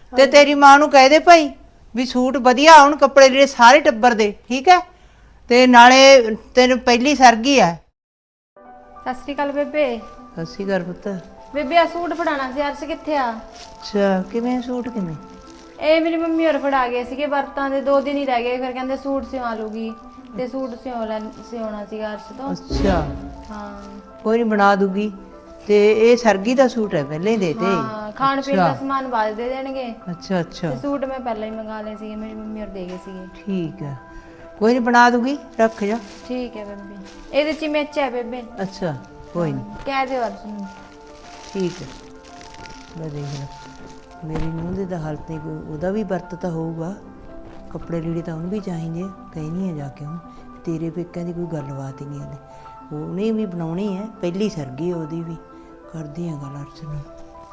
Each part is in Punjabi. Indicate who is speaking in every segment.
Speaker 1: ਤੇ ਤੇਰੀ ਮਾਂ ਨੂੰ ਕਹਿ ਦੇ ਭਾਈ ਵੀ ਸੂਟ ਵਧੀਆ ਆਉਣ, ਕੱਪੜੇ ਜਿਹੜੇ ਸਾਰੇ ਟੱਬਰ ਦੇ, ਠੀਕ ਹੈ। ਤੇ ਨਾਲੇ ਤੈਨੂੰ ਪਹਿਲੀ ਸਰਗੀ ਆ।
Speaker 2: ਸਤਿ ਸ਼੍ਰੀ ਅਕਾਲ ਬੇਬੇ।
Speaker 1: ਸਤਿ ਸ਼੍ਰੀ ਅਕਾਲ ਪੁੱਤ।
Speaker 2: ਬੇਬੇ ਆ ਸੂਟ ਫੜਾਣਾ ਸੀ, ਅਰਸ਼ ਕਿੱਥੇ ਆ?
Speaker 1: ਅੱਛਾ, ਕਿਵੇਂ ਸੂਟ ਕਿਵੇਂ?
Speaker 2: ਇਹ ਮੇਰੀ ਮੰਮੀ ਹੋਰ ਫੜਾ ਗਏ ਸੀਗੇ ਵਰਤਾਂ ਦੇ, 2 ਦਿਨ ਹੀ ਰਹਿ ਗਏ, ਫਿਰ ਕਹਿੰਦੇ ਸੂਟ ਸਿਵਾ ਲੂਗੀ ਤੇ ਸੂਟ ਸਿਉਣਾ ਸੀਗਾ ਅਰਸ਼ ਤੋਂ।
Speaker 1: ਅੱਛਾ,
Speaker 2: ਹਾਂ
Speaker 1: ਕੋਈ ਨਹੀਂ ਬਣਾ ਦੂਗੀ। ਤੇ ਇਹ ਸਰਗੀ ਦਾ ਸੂਟ ਹੈ, ਪਹਿਲਾਂ ਹੀ ਦੇ ਤੇ।
Speaker 2: ਹਾਂ, ਖਾਣ ਪੀਣ ਦਾ ਸਮਾਨ ਬਾਅਦ ਦੇ ਦੇਣਗੇ।
Speaker 1: ਅੱਛਾ ਅੱਛਾ,
Speaker 2: ਤੇ ਸੂਟ ਮੈਂ ਪਹਿਲਾਂ ਹੀ ਮੰਗਾ ਲਏ ਸੀਗੇ, ਮੇਰੀ ਮੰਮੀ ਹੋਰ ਦੇ ਗਏ ਸੀਗੇ।
Speaker 1: ਠੀਕ ਹੈ, ਕੋਈ ਨਹੀਂ ਬਣਾ ਦੂਗੀ, ਰੱਖ ਜਾ।
Speaker 2: ਠੀਕ ਹੈ ਬੇਬੇ, ਇਹਦੇ ਚ ਮਿਰਚ ਹੈ ਬੇਬੇ।
Speaker 1: ਅੱਛਾ, ਕੋਈ ਨਹੀਂ,
Speaker 2: ਕਹਿ ਦਿਓ ਅਰਸ਼ ਨੂੰ।
Speaker 1: ਠੀਕ ਹੈ। ਮੈਂ ਦੇਖ ਲਾ, ਮੇਰੀ ਨੂੰਹ ਦੇ ਤਾਂ ਹਾਲਤ ਨਹੀਂ, ਕੋਈ ਉਹਦਾ ਵੀ ਵਰਤ ਤਾਂ ਹੋਊਗਾ, ਕੱਪੜੇ ਲੀੜੇ ਤਾਂ ਉਹਨੂੰ ਵੀ ਚਾਹੀਦੇ। ਕਹਿਨੀ ਆ ਜਾ ਕੇ ਉਹਨੂੰ, ਤੇਰੇ ਪੇਕਿਆਂ ਦੀ ਕੋਈ ਗੱਲਬਾਤ ਹੀ ਨਹੀਂ ਹਲੇ, ਉਹਨੇ ਵੀ ਬਣਾਉਣੀ ਹੈ, ਪਹਿਲੀ ਸਰਗੀ ਉਹਦੀ ਵੀ। ਕਰਦੀ ਆ ਗੱਲ ਅਰਸ਼ ਨੂੰ।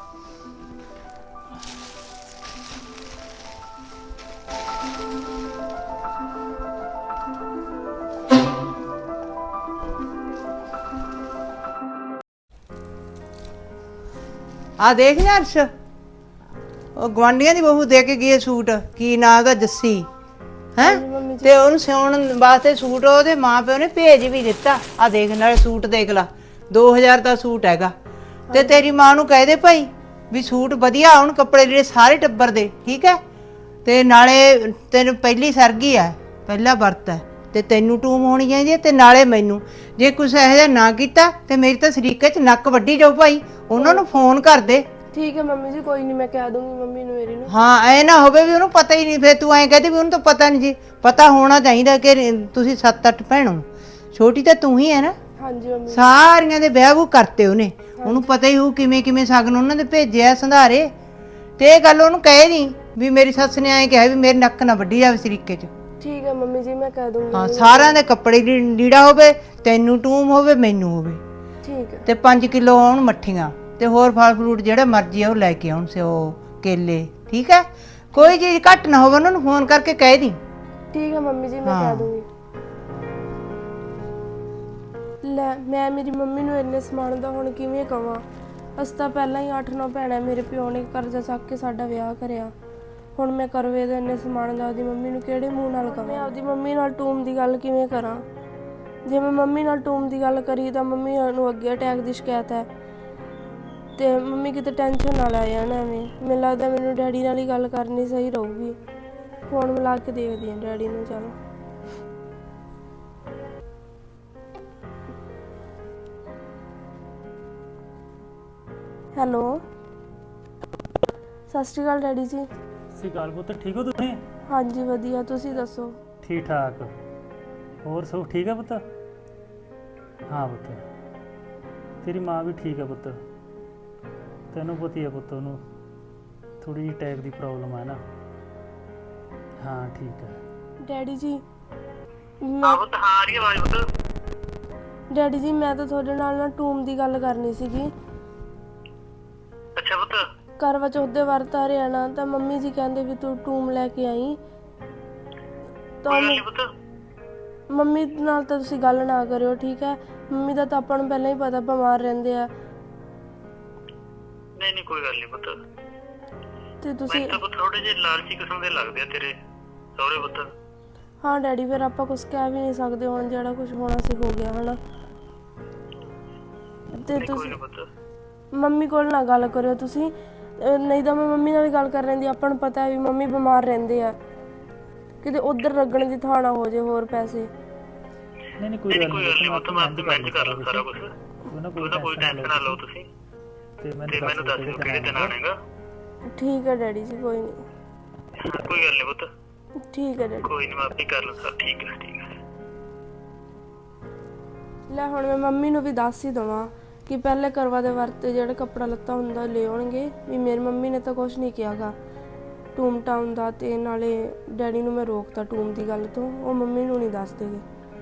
Speaker 1: ਆ ਦੇਖ ਨਾ ਅਰਸ਼, ਉਹ ਗਵਾਂਢੀਆਂ ਦੀ ਬਹੂ ਦੇ ਕੇ ਗਈ ਸੂਟ, ਕੀ ਨਾਂ ਉਹਦਾ, ਜੱਸੀ ਹੈ। ਤੇ ਉਹਨੂੰ ਸਿਉਣ ਵਾਸਤੇ ਸੂਟ ਉਹਦੇ ਮਾਂ ਪਿਓ ਨੇ ਭੇਜ ਵੀ ਦਿੱਤਾ। ਆ ਦੇਖ, ਨਾਲੇ ਸੂਟ ਦੇਖ ਲਾ, 2000 ਦਾ ਸੂਟ ਹੈਗਾ। ਤੇ ਤੇਰੀ ਮਾਂ ਨੂੰ ਕਹਿ ਦੇ ਭਾਈ ਵੀ ਸੂਟ ਵਧੀਆ ਆਉਣ, ਕੱਪੜੇ ਜਿਹੜੇ ਸਾਰੇ ਟੱਬਰ ਦੇ, ਠੀਕ ਹੈ। ਤੇ ਨਾਲੇ ਤੈਨੂੰ ਪਹਿਲੀ ਸਰਗੀ ਆ, ਪਹਿਲਾ ਵਰਤ ਹੈ, ਤੇ ਤੈਨੂੰ ਟੂਮ ਹੋਣੀ ਚਾਹੀਦੀ ਹੈ, ਤੇ ਨਾਲੇ ਮੈਨੂੰ। ਜੇ ਕੁਛ ਇਹੋ ਜਿਹਾ ਨਾ ਕੀਤਾ ਤੇ ਮੇਰੀ ਤਾਂ ਸਰੀਕੇ 'ਚ ਨੱਕ ਵੱਢੀ ਜਾਓ ਭਾਈ, ਉਹਨਾਂ ਨੂੰ ਫੋਨ ਕਰ ਦੇ।
Speaker 3: ਠੀਕ ਹੈ ਮੰਮੀ ਜੀ, ਕੋਈ ਨਹੀਂ, ਮੈਂ ਕਹਿ ਦੂੰਗੀ ਮੰਮੀ ਨੂੰ ਮੇਰੀ ਨੂੰ।
Speaker 1: ਹਾਂ, ਐ ਨਾ ਹੋਵੇ ਵੀ ਉਹਨੂੰ ਪਤਾ ਹੀ ਨਹੀਂ, ਫਿਰ ਤੂੰ ਐਂ ਕਹਦੀ ਵੀ ਉਹਨੂੰ ਤਾਂ ਪਤਾ ਨਹੀਂ ਜੀ। ਪਤਾ ਹੋਣਾ ਚਾਹੀਦਾ ਕਿ ਤੁਸੀਂ 7-8 ਭੈਣੋ, ਛੋਟੀ ਤਾਂ ਤੂੰ ਹੀ ਹੈ ਨਾ।
Speaker 3: ਹਾਂਜੀ ਮੰਮੀ।
Speaker 1: ਸਾਰੀਆਂ ਦੇ ਵਿਆਹ ਵੂ ਕਰਤੇ ਉਹਨੇ, ਉਹਨੂੰ ਪਤਾ ਹੀ ਹੋਊ ਕਿਵੇਂ ਕਿਵੇਂ ਸ਼ਗਨ ਉਹਨਾਂ ਦੇ ਭੇਜਿਆ ਸੰਧਾਰੇ। ਤੇ ਇਹ ਗੱਲ ਉਹਨੂੰ ਕਹੇ ਨਹੀਂ ਵੀ ਮੇਰੀ ਸੱਸ ਨੇ ਐਂ ਕਿਹਾ ਵੀ ਮੇਰੇ ਨੱਕ ਨਾ ਵੱਢੀ ਜਾਵੇ ਸਰੀਕੇ 'ਚ।
Speaker 3: ਠੀਕ ਹੈ ਮੰਮੀ ਜੀ, ਮੈਂ ਕਹਿ ਦੂੰਗੀ।
Speaker 1: ਹਾਂ, ਸਾਰਿਆਂ ਦੇ ਕੱਪੜੇ ਲੀੜਾ ਹੋਵੇ, ਤੈਨੂੰ ਟੂਮ ਹੋਵੇ, ਮੈਨੂੰ ਹੋਵੇ।
Speaker 3: ਠੀਕ ਹੈ।
Speaker 1: ਤੇ 5 ਕਿਲੋ ਆਉਣ ਮੱਠੀਆਂ, ਤੇ ਹੋਰ ਫਲ ਫਰੂਟ ਜਿਹੜਾ ਮਰਜ਼ੀ ਆ ਉਹ ਲੈ ਕੇ ਆਉਣ, ਸਿਓ ਕੇਲੇ, ਠੀਕ ਹੈ। ਕੋਈ ਚੀਜ਼ ਘੱਟ ਨਾ ਹੋਵੇ, ਉਹਨਾਂ ਨੂੰ ਫੋਨ ਕਰਕੇ ਕਹਿ ਦੀ।
Speaker 3: ਠੀਕ ਹੈ ਮੰਮੀ ਜੀ, ਮੈਂ ਕਹਿ ਦੂੰਗੀ। ਲੈ, ਮੈਂ ਮੇਰੀ ਮੰਮੀ ਨੂੰ ਇੰਨੇ ਸਮਾਨ ਦਾ ਹੁਣ ਕਿਵੇਂ ਕਵਾਂ? ਅਸੀਂ ਤਾਂ ਪਹਿਲਾਂ ਹੀ 8-9 ਭੈਣਾਂ, ਮੇਰੇ ਪਿਓ ਨੇ ਕਰਜ਼ਾ ਚੱਕ ਕੇ ਸਾਡਾ ਵਿਆਹ ਕਰਿਆ। ਹੁਣ ਮੈਂ ਕਰਵੇ ਦੇ ਇੰਨੇ ਸਮਾਨ ਦਾ ਆਪਦੀ ਮੰਮੀ ਨੂੰ ਕਿਹੜੇ ਮੂੰਹ ਨਾਲ ਕਵਾਂ? ਮੈਂ ਆਪਦੀ ਮੰਮੀ ਨਾਲ ਟੂਮ ਦੀ ਗੱਲ ਕਿਵੇਂ ਕਰਾਂ? ਜੇ ਮੈਂ ਮੰਮੀ ਨਾਲ ਟੂਮ ਦੀ ਗੱਲ ਕਰੀ ਤਾਂ ਮੰਮੀ ਨੂੰ ਅੱਗੇ ਅਟੈਕ ਦੀ ਸ਼ਿਕਾਇਤ ਹੈ, ਤੇ ਮੰਮੀ ਕਿਤੇ ਟੈਨਸ਼ਨ ਨਾ ਲੈ ਜਾਣ ਐਵੇਂ। ਮੈਨੂੰ ਲੱਗਦਾ ਮੈਨੂੰ ਡੈਡੀ ਨਾਲ ਹੀ ਗੱਲ ਕਰਨੀ ਸਹੀ ਰਹੂਗੀ। ਫੋਨ ਮਿਲਾ ਕੇ ਦੇਖਦੀ ਹਾਂ ਡੈਡੀ ਨੂੰ। ਚਲੋ, ਹੈਲੋ, ਸਤਿ ਸ਼੍ਰੀ ਅਕਾਲ ਡੈਡੀ ਜੀ।
Speaker 4: ਸਤਿ ਸ਼੍ਰੀ ਅਕਾਲ ਪੁੱਤ, ਠੀਕ ਹੋ ਤੁਸੀਂ?
Speaker 3: ਹਾਂਜੀ ਵਧੀਆ, ਤੁਸੀਂ ਦੱਸੋ?
Speaker 4: ਠੀਕ ਠਾਕ, ਹੋਰ ਸਭ ਠੀਕ ਹੈ ਪੁੱਤ? ਹਾਂ ਪੁੱਤ, ਤੇਰੀ ਮਾਂ ਵੀ ਠੀਕ ਹੈ ਪੁੱਤ, ਤੈਨੂੰ ਪਤਾ ਹੀ ਹੈ ਪੁੱਤ, ਉਹਨੂੰ ਥੋੜੀ ਜਿਹੀ ਟੈਕ ਦੀ ਪ੍ਰੋਬਲਮ ਹੈ ਨਾ। ਹਾਂ ਠੀਕ ਹੈ
Speaker 3: ਡੈਡੀ ਜੀ।
Speaker 5: ਹਾਂ ਪੁੱਤ, ਹਾਂ ਆ ਰਹੀ ਆਵਾਜ਼ ਪੁੱਤ।
Speaker 3: ਡੈਡੀ ਜੀ, ਮੈਂ ਤਾਂ ਤੁਹਾਡੇ ਨਾਲ ਨਾ ਟੂਮ ਦੀ ਗੱਲ ਕਰਨੀ ਸੀਗੀ।
Speaker 5: ਅੱਛਾ ਪੁੱਤ।
Speaker 3: ਕਰਵਾ ਚੌਥ ਦੇ ਵਰਤ ਆ ਰਿਹਾ ਨਾ, ਤਾਂ ਮੰਮੀ ਜੀ ਕਹਿੰਦੇ ਵੀ ਤੂੰ ਟੂਮ ਲੈ ਕੇ ਆਈ। ਤਾਂ
Speaker 5: ਕੋਈ ਗੱਲ ਨਹੀਂ ਪੁੱਤ।
Speaker 3: ਮੰਮੀ ਨਾਲ ਤਾਂ ਤੁਸੀਂ ਗੱਲ ਨਾ ਕਰਿਓ, ਠੀਕ ਹੈ? ਮੰਮੀ ਦਾ ਤਾਂ ਆਪਾਂ ਨੂੰ ਪਹਿਲਾਂ ਹੀ ਪਤਾ, ਬਿਮਾਰ ਰਹਿੰਦੇ ਆ।
Speaker 5: ਨਹੀਂ ਨਹੀਂ, ਕੋਈ ਗੱਲ ਨਹੀਂ ਪੁੱਤ।
Speaker 3: ਤੇ ਤੁਸੀਂ
Speaker 5: ਮੈਨੂੰ ਤਾਂ ਪੁੱਤ ਥੋੜੇ ਜਿਹੇ ਲਾਲਚੀ ਕਿਸਮ ਦੇ ਲੱਗਦੇ ਆ ਤੇਰੇ ਸਹੁਰੇ ਪੁੱਤ।
Speaker 3: ਹਾਂ ਡੈਡੀ, ਫਿਰ ਆਪਾਂ ਕੁਝ ਕਹਿ ਵੀ ਨਹੀਂ ਸਕਦੇ, ਹੁਣ ਜਿਹੜਾ ਕੁਝ ਹੋਣਾ ਸੀ ਹੋ ਗਿਆ ਹਨਾ। ਤੇ
Speaker 5: ਕੋਈ
Speaker 3: ਤੁਸੀਂ
Speaker 5: ਨਹੀਂ ਪੁੱਤ।
Speaker 3: ਮੰਮੀ ਕੋਲ ਨਾ ਗੱਲ ਕਰਿਓ ਤੁਸੀਂ, ਨਹੀਂ ਤਾਂ ਮੈਂ ਮੰਮੀ ਨਾਲ ਗੱਲ ਕਰ ਲੈਂਦੀ। ਆਪਾਂ ਨੂੰ ਪਤਾ ਹੈ ਵੀ ਮੰਮੀ ਬਿਮਾਰ ਰਹਿੰਦੇ ਆ, ਕਿਤੇ ਉਧਰ ਲੱਗਣ ਦੀ ਥਾਂ ਨਾ ਹੋ ਜੇ ਹੋਰ ਪੈਸੇ।
Speaker 4: ਨਹੀਂ ਨਹੀਂ ਕੋਈ ਗੱਲ ਨਹੀਂ
Speaker 5: ਪੁੱਤ, ਮੈਂ ਮੈਨੇਜ ਕਰ ਲੂ ਸਾਰਾ ਕੁਝ। ਕੋਈ ਟੈਨਸ਼ਨ ਨਾ ਲਓ ਤੁਸੀਂ,
Speaker 4: ਤੇ
Speaker 5: ਮੈਨੂੰ ਦੱਸ ਦਿਓ ਕਿਹੜੇ ਦਿਨ ਆਣੇਗਾ।
Speaker 3: ਠੀਕ ਹੈ ਡੈਡੀ ਜੀ, ਕੋਈ ਨਹੀਂ।
Speaker 5: ਕੋਈ ਗੱਲ ਨਹੀਂ ਪੁੱਤ।
Speaker 3: ਠੀਕ ਹੈ ਡੈਡੀ।
Speaker 5: ਕੋਈ ਨਹੀਂ, ਮੈਂ ਆਪੇ ਕਰ ਲੂ ਸਰ। ਠੀਕ ਹੈ ਠੀਕ ਹੈ।
Speaker 3: ਲੈ, ਹੁਣ ਮੈਂ ਮੰਮੀ ਨੂੰ ਵੀ ਦੱਸ ਹੀ ਦੇਵਾਂ ਕਿ ਪਹਿਲੇ ਕਰਵਾ ਦੇ ਵਰਤ ਜਿਹੜਾ ਕੱਪੜਾ ਲੱਤਾ ਹੁੰਦਾ ਲੈ ਆਉਣਗੇ, ਵੀ ਮੇਰੀ ਮੰਮੀ ਨੇ ਤਾਂ ਕੁਝ ਨਹੀਂ ਕਿਹਾਗਾ ਟੂਮ ਟਾਊਨ ਦਾ। ਤੇ ਨਾਲੇ ਡੈਡੀ ਨੂੰ ਮੈਂ ਰੋਕਤਾ ਟੂਮ ਦੀ ਗੱਲ ਤੋਂ, ਉਹ ਮੰਮੀ ਨੂੰ ਨਹੀਂ ਦੱਸਦੇਗੇ।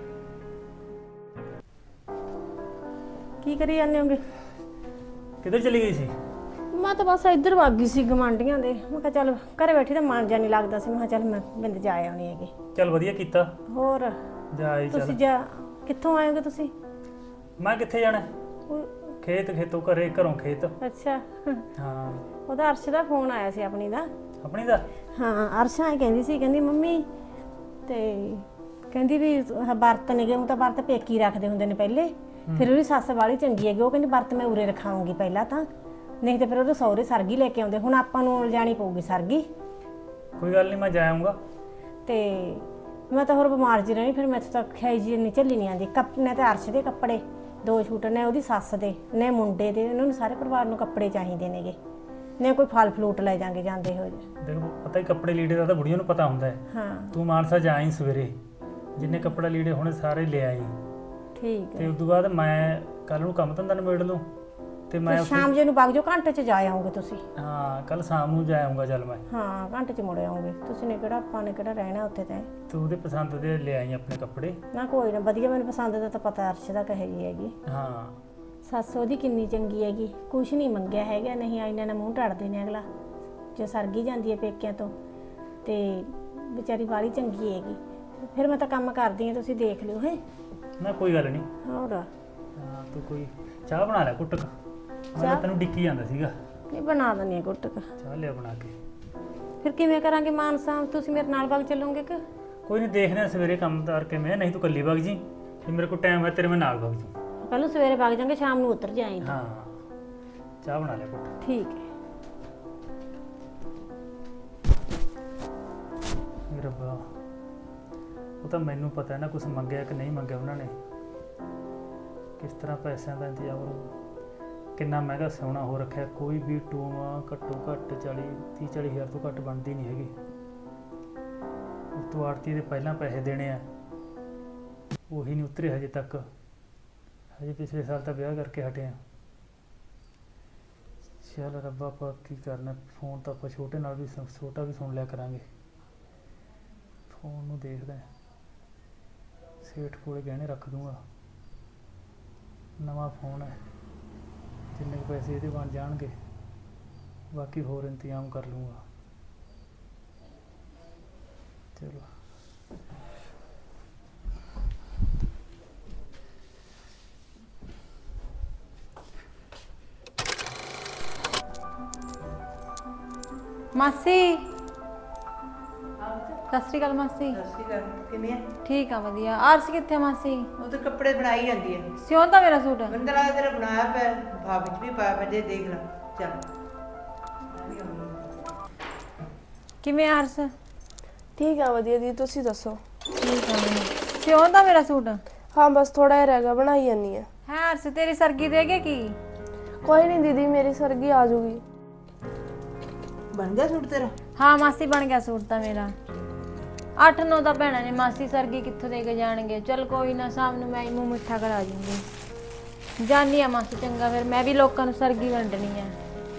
Speaker 2: ਕੀ ਕਰੀ ਜਾਂਦੇ ਹੋਗੇ?
Speaker 4: ਕਿੱਧਰ ਚਲੀ ਗਈ ਸੀ?
Speaker 2: ਮੈਂ ਤਾਂ ਬਸ ਇੱਧਰ ਵਗ ਗਈ ਸੀ ਗਵਾਂਢੀਆਂ ਦੇ। ਮੈਂ ਕਿਹਾ ਚੱਲ ਘਰੇ ਬੈਠੀ ਤਾਂ ਮਨ ਜਿਹਾ ਨਹੀਂ ਲੱਗਦਾ ਸੀ, ਮੈਂ ਕਿਹਾ ਚੱਲ ਮੈਂ ਬਿੰਦ ਜਾ ਆਉਣੀ ਹੈਗੀ।
Speaker 4: ਚੱਲ ਵਧੀਆ ਕੀਤਾ।
Speaker 2: ਹੋਰ
Speaker 4: ਜਾ ਆਈ ਚੱਲ।
Speaker 2: ਤੁਸੀਂ ਕਿੱਥੋਂ ਆਏ ਹੋ ਤੁਸੀਂ?
Speaker 4: ਮੈਂ ਕਿੱਥੇ ਜਾਣਾ? ਖੇਤੋਂ ਘਰੇ, ਘਰੋਂ ਖੇਤ।
Speaker 2: ਅੱਛਾ,
Speaker 4: ਹਾਂ
Speaker 6: ਉਹਦਾ ਅਰਸ਼ ਦਾ ਫੋਨ ਆਇਆ ਸੀ ਆਪਣੀ ਦਾ।
Speaker 4: ਆਪਣੀ ਦਾ?
Speaker 6: ਹਾਂ ਅਰਸ਼ ਆਏ ਕਹਿੰਦੀ ਸੀ, ਕਹਿੰਦੀ ਮੰਮੀ ਤੇ ਕਹਿੰਦੀ ਵੀ ਵਰਤ ਨੇਗੇ, ਉਹ ਤਾਂ ਵਰਤ ਪੇਕੀ ਰੱਖਦੇ ਹੁੰਦੇ ਨੇ ਪਹਿਲੇ, ਫਿਰ ਉਹਦੀ ਸੱਸ ਵਾਲੀ ਚੰਗੀ ਹੈਗੀ, ਉਹ ਕਹਿੰਦੀ ਵਰਤ ਮੈਂ ਉਰੇ ਰਖਾਉਂਗੀ ਪਹਿਲਾਂ ਤਾਂ, ਨਹੀਂ ਤੇ ਫਿਰ ਉਹਦੇ ਸਹੁਰੇ ਸਰਗੀ ਲੈ ਕੇ ਆਉਂਦੇ। ਹੁਣ ਆਪਾਂ ਨੂੰ ਲਿਜਾਣੀ ਪਊਗੀ ਸਰਗੀ।
Speaker 4: ਕੋਈ ਗੱਲ ਨਹੀਂ, ਮੈਂ ਜਾ ਆਊਂਗਾ।
Speaker 6: ਤੇ ਮੈਂ ਤਾਂ ਹੋਰ ਬਿਮਾਰ ਜੀ ਰਹੀ, ਫਿਰ ਮੈਥੋਂ ਤਾਂ ਖਾਈ ਜੀ ਨਹੀਂ ਚੱਲੀ ਨਹੀਂ ਆਂਦੀ। ਨੇ ਤਾਂ ਅਰਸ਼ ਦੇ ਕੱਪੜੇ 2 ਸੂਟ ਨੇ, ਉਹਦੀ ਸੱਸ ਦੇ ਨੇ, ਮੁੰਡੇ ਦੇ, ਉਹਨਾਂ ਨੂੰ ਸਾਰੇ ਪਰਿਵਾਰ ਨੂੰ ਕੱਪੜੇ ਚਾਹੀਦੇ ਨੇਗੇ, ਨੇ ਕੋਈ ਫਲ ਫਲੂਟ ਲੈ ਜਾਾਂਗੇ ਜਾਂਦੇ ਹੋ ਜੇ।
Speaker 4: ਦੇਖੋ ਪਤਾ ਹੀ ਕੱਪੜੇ ਲੀੜੇ ਦਾ ਤਾਂ ਬੁੜੀਆਂ ਨੂੰ ਪਤਾ ਹੁੰਦਾ ਹੈ।
Speaker 6: ਹਾਂ
Speaker 4: ਤੂੰ ਮਾਨਸਾ ਜਾਈਂ ਸਵੇਰੇ, ਜਿੰਨੇ ਕੱਪੜਾ ਲੀੜੇ ਹੋਣੇ ਸਾਰੇ ਲੈ ਆਈ,
Speaker 6: ਠੀਕ
Speaker 4: ਤੇ
Speaker 6: ਹੈ।
Speaker 4: ਉਸ ਤੋਂ ਬਾਅਦ ਮੈਂ ਕੱਲ ਨੂੰ ਕੰਮ ਧੰਦਾ ਨਿਬੇੜ ਲੂੰ, ਤੇ ਮੈਂ
Speaker 6: ਸ਼ਾਮ ਜੇ ਨੂੰ ਵਗ ਜਾਓ, ਘੰਟੇ 'ਚ ਜਾ ਆਉਂਗੇ ਤੁਸੀਂ।
Speaker 4: ਹਾਂ ਕੱਲ ਸ਼ਾਮ ਨੂੰ ਜਾ ਆਊਂਗਾ। ਚੱਲ ਮੈਂ,
Speaker 6: ਹਾਂ ਘੰਟੇ 'ਚ ਮੁੜ ਆਉਂਗੇ ਤੁਸੀਂ, ਨੇ ਕਿਹੜਾ ਆਪਾਂ ਨੇ ਕਿਹੜਾ ਰਹਿਣਾ ਉੱਥੇ ਤਾਂ।
Speaker 4: ਤੂੰ ਉਹਦੇ ਪਸੰਦ ਦੇ ਲੈ ਆਈ ਆਪਣੇ ਕੱਪੜੇ।
Speaker 6: ਨਾ ਕੋਈ ਨਾ, ਵਧੀਆ, ਮੈਨੂੰ ਪਸੰਦ ਦਾ ਤਾਂ ਪਤਾ ਅਰਸ਼ ਦਾ ਕਹੇ ਜੀ ਹੈਗੀ।
Speaker 4: ਹਾਂ
Speaker 6: ਸੱਸ ਉਹਦੀ ਕਿੰਨੀ ਚੰਗੀ ਹੈਗੀ, ਕੁਛ ਨਹੀਂ ਮੰਗਿਆ ਹੈਗਾ, ਨਹੀਂ ਆਇਨਾ ਨਾਲ ਮੂੰਹ ਟੜਦੇ ਨੇ ਅਗਲਾ ਜੇ ਸਰਗੀ ਜਾਂਦੀ ਹੈ ਪੇਕਿਆਂ ਤੋਂ, ਤੇ ਵਿਚਾਰੀ ਵਾਲੀ ਚੰਗੀ ਹੈਗੀ। ਫਿਰ ਮੈਂ ਤਾਂ ਕੰਮ ਕਰਦੀ ਹਾਂ, ਤੁਸੀਂ ਦੇਖ ਲਿਓ ਹੈ
Speaker 4: ਨਾ, ਕੋਈ ਗੱਲ ਨਹੀਂ।
Speaker 6: ਹੋਰ
Speaker 4: ਹਾਂ ਤੂੰ ਕੋਈ ਚਾਹ ਬਣਾ ਲੈ ਕੁੱਟਕ, ਮੈਂ ਤੈਨੂੰ ਡਿੱਕੀ ਜਾਂਦਾ ਸੀਗਾ।
Speaker 6: ਨਹੀਂ ਬਣਾ ਦਿੰਦੀ ਹਾਂ ਗੁੱਟਕ।
Speaker 4: ਚਾਹ ਲਿਆ ਬਣਾ ਕੇ।
Speaker 6: ਫਿਰ ਕਿਵੇਂ ਕਰਾਂਗੇ ਮਾਨਸਾ, ਤੁਸੀਂ ਮੇਰੇ ਨਾਲ ਵਗ ਚੱਲੋਗੇ ਕਿ?
Speaker 4: ਕੋਈ ਨਹੀਂ, ਦੇਖਦੇ ਹਾਂ ਸਵੇਰੇ ਕੰਮ ਤਾਰ ਕੇ, ਮੈਂ ਨਹੀਂ ਤੂੰ ਕੱਲੀ ਵਗ ਜੀ, ਜੇ ਮੇਰੇ ਕੋਲ ਟਾਈਮ ਹੈ ਤੇਰੇ ਮੈਂ ਨਾਲ ਵਗ ਜੂ।
Speaker 6: ਪਹਿਲਾਂ ਸਵੇਰੇ ਵਗ ਜਾਵਾਂਗੇ, ਸ਼ਾਮ ਨੂੰ ਉਤਰ ਜਾਏਂਗੇ।
Speaker 4: ਹਾਂ ਚਾਹ ਬਣਾ ਲੈ ਕੁੱਟ।
Speaker 6: ਠੀਕ ਹੈ।
Speaker 4: ਮੇਰੇ ਰੱਬਾ, ਉਹ ਤਾਂ ਮੈਨੂੰ ਪਤਾ ਹੈ ਨਾ ਕੁਝ ਮੰਗਿਆ ਕਿ ਨਹੀਂ ਮੰਗਿਆ ਉਹਨਾਂ ਨੇ, ਕਿਸ ਤਰ੍ਹਾਂ ਪੈਸਿਆਂ ਦਾ ਇੰਤਜ਼ਾਮ ਹੋਊ, ਕਿੰਨਾ ਮਹਿੰਗਾ ਸੋਨਾ ਹੋ ਰੱਖਿਆ। ਕੋਈ ਵੀ ਟੂਮਾ ਘੱਟੋ ਘੱਟ 30-40 ਹਜ਼ਾਰ ਤੋਂ ਘੱਟ ਬਣਦੀ ਨਹੀਂ ਹੈਗੀ। ਉਸ ਤੋਂ ਆੜਤੀ ਦੇ ਪਹਿਲਾਂ ਪੈਸੇ ਦੇਣੇ ਆ, ਉਹੀ ਨਹੀਂ ਉਤਰੇ ਹਜੇ ਤੱਕ। ਹਜੇ ਪਿਛਲੇ ਸਾਲ ਤਾਂ ਵਿਆਹ ਕਰਕੇ ਹਟੇ ਆ। ਚੱਲ ਰੱਬਾ, ਆਪਾਂ ਕੀ ਕਰਨਾ, ਫੋਨ ਤਾਂ ਆਪਾਂ ਛੋਟੇ ਨਾਲ ਵੀ ਛੋਟਾ ਵੀ ਸੁਣ ਲਿਆ ਕਰਾਂਗੇ। ਫੋਨ ਨੂੰ ਦੇਖਦਾ, ਸੇਠ ਕੋਲੇ ਗਹਿਣੇ ਰੱਖ ਦੂੰਗਾ, ਨਵਾਂ ਫੋਨ ਹੈ, ਜਿੰਨੇ ਕੁ ਪੈਸੇ ਇਹਦੇ ਬਣ ਜਾਣਗੇ ਬਾਕੀ ਹੋਰ ਇੰਤਜ਼ਾਮ ਕਰ ਲੂੰਗਾ। ਚਲੋ
Speaker 2: ਮਾਸੀ, ਸਤਿ ਸ਼੍ਰੀ ਅਕਾਲ ਮਾਸੀ।
Speaker 1: ਕਿਵੇਂ ਆ?
Speaker 2: ਠੀਕ ਆ ਵਧੀਆ। ਅਰਸ਼ ਕਿੱਥੇ ਆ ਮਾਸੀ?
Speaker 1: ਉਹ ਤਾਂ ਕੱਪੜੇ ਬਣਾਈ ਜਾਂਦੀ ਹੈ।
Speaker 2: ਸਿਉਂ ਤਾਂ ਮੇਰਾ ਸੂਟ।
Speaker 1: ਮੈਨੂੰ ਤਾਂ ਲੱਗਦਾ ਤੇਰਾ ਬਣਾਇਆ ਪਿਆ, ਭਾਬੀ ਚ ਵੀ ਪਾਇਆ ਪਿਆ, ਜੇ ਦੇਖ ਲੈ। ਚੱਲ
Speaker 2: ਕਿਵੇਂ ਆ ਅਰਸ਼?
Speaker 3: ਠੀਕ ਆ ਵਧੀਆ ਦੀ, ਤੁਸੀਂ ਦੱਸੋ?
Speaker 2: ਠੀਕ ਆ। ਸਿਉਂ ਤਾਂ ਮੇਰਾ ਸੂਟ।
Speaker 3: ਹਾਂ ਬਸ ਥੋੜਾ ਜਿਹਾ ਰਹਿ ਗਿਆ, ਬਣਾਈ ਜਾਂਦੀ ਆ।
Speaker 2: ਹੈ ਅਰਸ਼, ਤੇਰੀ ਸਰਗੀ ਦੇ ਗਏ ਕੀ?
Speaker 3: ਕੋਈ ਨਹੀਂ ਦੀਦੀ, ਮੇਰੀ ਸਰਗੀ ਆ ਜਾਊਗੀ।
Speaker 1: ਬਣ ਗਿਆ ਸੂਟ ਤੇਰਾ?
Speaker 2: ਹਾਂ ਮਾਸੀ ਬਣ ਗਿਆ ਸੂਟ ਤਾਂ ਮੇਰਾ। 8-9 ਤਾਂ ਭੈਣਾਂ ਨੇ ਮਾਸੀ, ਸਰਗੀ ਕਿੱਥੋਂ ਦੇ ਕੇ ਜਾਣਗੇ। ਚਲ ਕੋਈ ਨਾ, ਸ਼ਾਮ ਨੂੰ ਮੈਂ ਹੀ ਮੂੰਹ ਮਿੱਠਾ ਕਰਾ ਜੂੰਗੀ। ਜਾਨੀ ਆ ਮਾਸੀ, ਚੰਗਾ ਫਿਰ ਮੈਂ ਵੀ ਲੋਕਾਂ ਨੂੰ ਸਰਗੀ ਵੰਡਣੀ ਆ।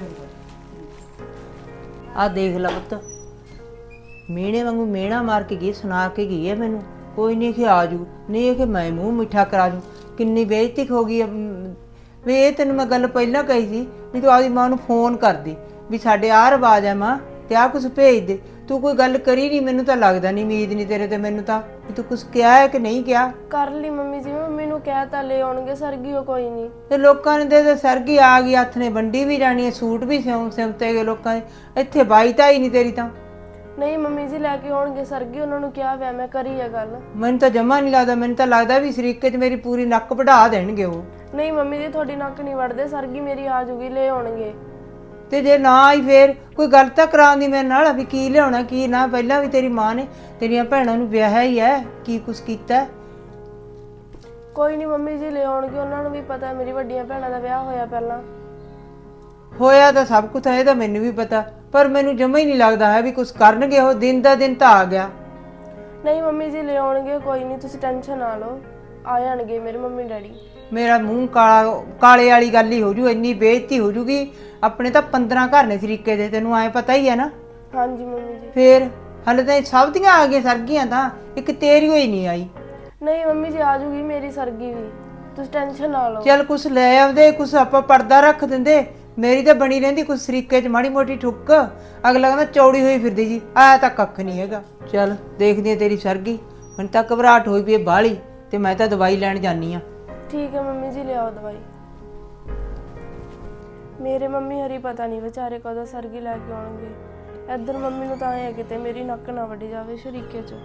Speaker 1: ਆ ਦੇਖ ਲੈ ਪੁੱਤ, ਮੀਣੇ ਵਾਂਗੂ ਮੇਣਾ ਮਾਰ ਕੇ ਗਈ, ਸੁਣਾ ਕੇ ਗਈ ਹੈ ਮੈਨੂੰ। ਕੋਈ ਨਹੀਂ ਕਿ ਆ ਜੂ, ਨਹੀਂ ਇਹ ਕਿ ਮੈਂ ਮੂੰਹ ਮਿੱਠਾ ਕਰਾ ਜੂ। ਕਿੰਨੀ ਬੇਇੱਜ਼ਤੀ ਹੋ ਗਈ ਵੀ। ਇਹ ਤੈਨੂੰ ਮੈਂ ਗੱਲ ਪਹਿਲਾਂ ਕਹੀ ਸੀ ਵੀ ਤੂੰ ਆਪਦੀ ਮਾਂ ਨੂੰ ਫੋਨ ਕਰਦੀ ਵੀ ਸਾਡੇ ਆਹ ਰਿਵਾਜ ਹੈ ਮਾਂ, ਤੇ ਆਹ ਕੁਛ ਭੇਜ ਦੇ। ਤੂੰ ਕੋਈ ਗੱਲ ਕਰੀ ਨਹੀਂ, ਮੈਨੂੰ ਤਾਂ ਲੱਗਦਾ ਨਹੀਂ, ਉਮੀਦ ਨਹੀਂ ਤੇਰੇ ਤੇ ਮੈਨੂੰ ਤਾਂ ਵੀ ਤੂੰ ਕੁਛ ਕਿਹਾ ਹੈ ਕਿ ਨਹੀਂ ਕਿਹਾ।
Speaker 3: ਕਰ ਲਈ ਮੰਮੀ ਜੀ, ਮੰਮੀ ਨੂੰ ਕਹਿ ਤਾਂ ਲੈ ਆਉਣਗੇ ਸਰਗੀ, ਉਹ ਕੋਈ ਨਹੀਂ।
Speaker 1: ਤੇ ਲੋਕਾਂ ਨੇ ਦੇ ਸਰਗੀ ਆ ਗਈ, ਹੱਥ ਨੇ ਵੰਡੀ ਵੀ ਜਾਣੀ ਹੈ, ਸੂਟ ਵੀ ਸਿਉਂਤੇ ਗਏ ਲੋਕਾਂ ਦੇ। ਇੱਥੇ ਬਾਈ ਤਾਂ ਹੀ ਨਹੀਂ ਤੇਰੀ ਤਾਂ।
Speaker 3: ਨਹੀਂ ਮੰਮੀ ਜੀ ਲੈ ਕੇ ਆਉਣਗੇ ਸਰਗੀ, ਉਹਨਾਂ ਨੂੰ ਕਿਹਾ ਵੈ, ਮੈਂ ਕਰੀ ਹੈ ਗੱਲ।
Speaker 1: ਮੈਨੂੰ ਤਾਂ ਜਮਾ ਨਹੀਂ ਲੱਗਦਾ, ਮੈਨੂੰ ਤਾਂ ਲੱਗਦਾ ਵੀ ਸ਼ਰੀਕੇ 'ਚ ਮੇਰੀ ਪੂਰੀ ਨੱਕ ਵਢਾ ਦੇਣਗੇ ਉਹ।
Speaker 3: ਨਹੀਂ ਮੰਮੀ ਜੀ ਤੁਹਾਡੀ ਨੱਕ ਨਹੀਂ ਵੜਦੇ, ਸਰਗੀ ਮੇਰੀ ਆ ਜੂਗੀ, ਲੈ ਆਉਣਗੇ।
Speaker 1: ਤੇ ਜੇ ਨਾ ਆਈ ਫੇਰ ਕੋਈ ਗੱਲ ਤਾਂ ਕਰਾਉਂਦੀ ਮੇਰੇ ਨਾਲ ਵੀ ਕੀ ਲਿਆਉਣਾ ਕੀ ਨਾ। ਪਹਿਲਾਂ ਵੀ ਤੇਰੀ ਮਾਂ ਨੇ ਤੇਰੀਆਂ ਭੈਣਾਂ ਨੂੰ ਵਿਆਹਿਆ ਹੀ ਹੈ, ਕੀ ਕੁਛ ਕੀਤਾ।
Speaker 3: ਕੋਈ ਨਹੀਂ ਮੰਮੀ ਜੀ ਲੈ ਆਉਣਗੇ, ਉਹਨਾਂ ਨੂੰ ਵੀ ਪਤਾ ਮੇਰੀ ਵੱਡੀਆਂ ਭੈਣਾਂ ਦਾ ਵਿਆਹ ਹੋਇਆ ਪਹਿਲਾਂ।
Speaker 1: ਹੋਇਆ ਤਾਂ ਸਭ ਕੁਝ ਹੈ, ਇਹ ਤਾਂ ਮੈਨੂੰ ਵੀ ਪਤਾ, ਪਰ ਮੈਨੂੰ ਜਮਾ ਹੀ ਨਹੀਂ ਲੱਗਦਾ ਹੈ ਵੀ ਕੁਛ ਕਰਨਗੇ ਉਹ। ਦਿਨ ਦਾ ਦਿਨ ਤਾਂ ਆ ਗਿਆ।
Speaker 3: ਨਹੀਂ ਮੰਮੀ ਜੀ ਲੈ ਆਉਣਗੇ, ਕੋਈ ਨਹੀਂ ਤੁਸੀਂ ਟੈਨਸ਼ਨ ਨਾ ਲਓ, ਆ ਜਾਣਗੇ ਮੇਰੇ ਮੰਮੀ ਡੈਡੀ।
Speaker 1: ਮੇਰਾ ਮੂੰਹ ਕਾਲੇ ਵਾਲੀ ਗੱਲ ਹੀ ਹੋ ਜੂ, ਇੰਨੀ ਬੇਇੱਜ਼ਤੀ ਹੋ ਜੂਗੀ। ਆਪਣੇ ਤਾਂ 15 ਘਰ ਨੇ ਸ਼ਰੀਕੇ ਦੇ, ਤੈਨੂੰ ਐ ਪਤਾ ਹੀ ਹੈ ਨਾ।
Speaker 3: ਹਾਂਜੀ ਮੰਮੀ ਜੀ।
Speaker 1: ਫੇਰ ਹਲੇ ਤਾਂ ਸਭ ਦੀਆਂ ਆ ਗਈਆਂ ਸਰਗੀਆਂ, ਤਾਂ ਇੱਕ ਤੇਰੀ ਹੋਈ ਨਹੀਂ ਆਈ।
Speaker 3: ਨਹੀਂ ਮੰਮੀ ਜੀ ਆ ਜੂਗੀ ਮੇਰੀ ਸਰਗੀ ਵੀ, ਤੁਸੀਂ ਟੈਨਸ਼ਨ ਨਾ ਲਓ।
Speaker 1: ਚੱਲ ਕੁਛ ਲੈ ਆਉਂਦੇ, ਕੁਛ ਆਪਾਂ ਪਰਦਾ ਰੱਖ ਦਿੰਦੇ। ਮੇਰੀ ਤਾਂ ਬਣੀ ਰਹਿੰਦੀ ਕੁਛ ਸ਼ਰੀਕੇ 'ਚ ਮਾੜੀ ਮੋਟੀ ਠੁੱਕ। ਅਗਲਾ ਕਹਿੰਦਾ ਚੌੜੀ ਹੋਈ ਫਿਰਦੀ ਜੀ, ਆਇਆ ਤਾਂ ਕੱਖ ਨਹੀਂ ਹੈਗਾ। ਚੱਲ ਦੇਖਦੀ ਆ ਤੇਰੀ ਸਰਗੀ। ਮੈਨੂੰ ਤਾਂ ਘਬਰਾਹਟ ਹੋਈ ਪਈ ਬਾਹਲੀ, ਤੇ ਮੈਂ ਤਾਂ ਦਵਾਈ ਲੈਣ ਜਾਨੀ ਆ।
Speaker 3: ਠੀਕ ਹੈ ਮੰਮੀ ਜੀ, ਲਿਆਓ ਦਵਾਈ। ਮੇਰੇ ਮੰਮੀ ਹਰੀ ਪਤਾ ਨਹੀਂ ਵਿਚਾਰੇ ਕਦੋਂ ਸਰਗੀ ਲੈ ਕੇ ਆਉਣਗੇ। ਇੱਧਰ ਮੰਮੀ ਨੂੰ ਤਾਂ ਐ ਹੈ ਕਿਤੇ ਮੇਰੀ ਨੱਕ ਨਾ ਵੱਢੀ ਜਾਵੇ ਸ਼ਰੀਕੇ 'ਚ।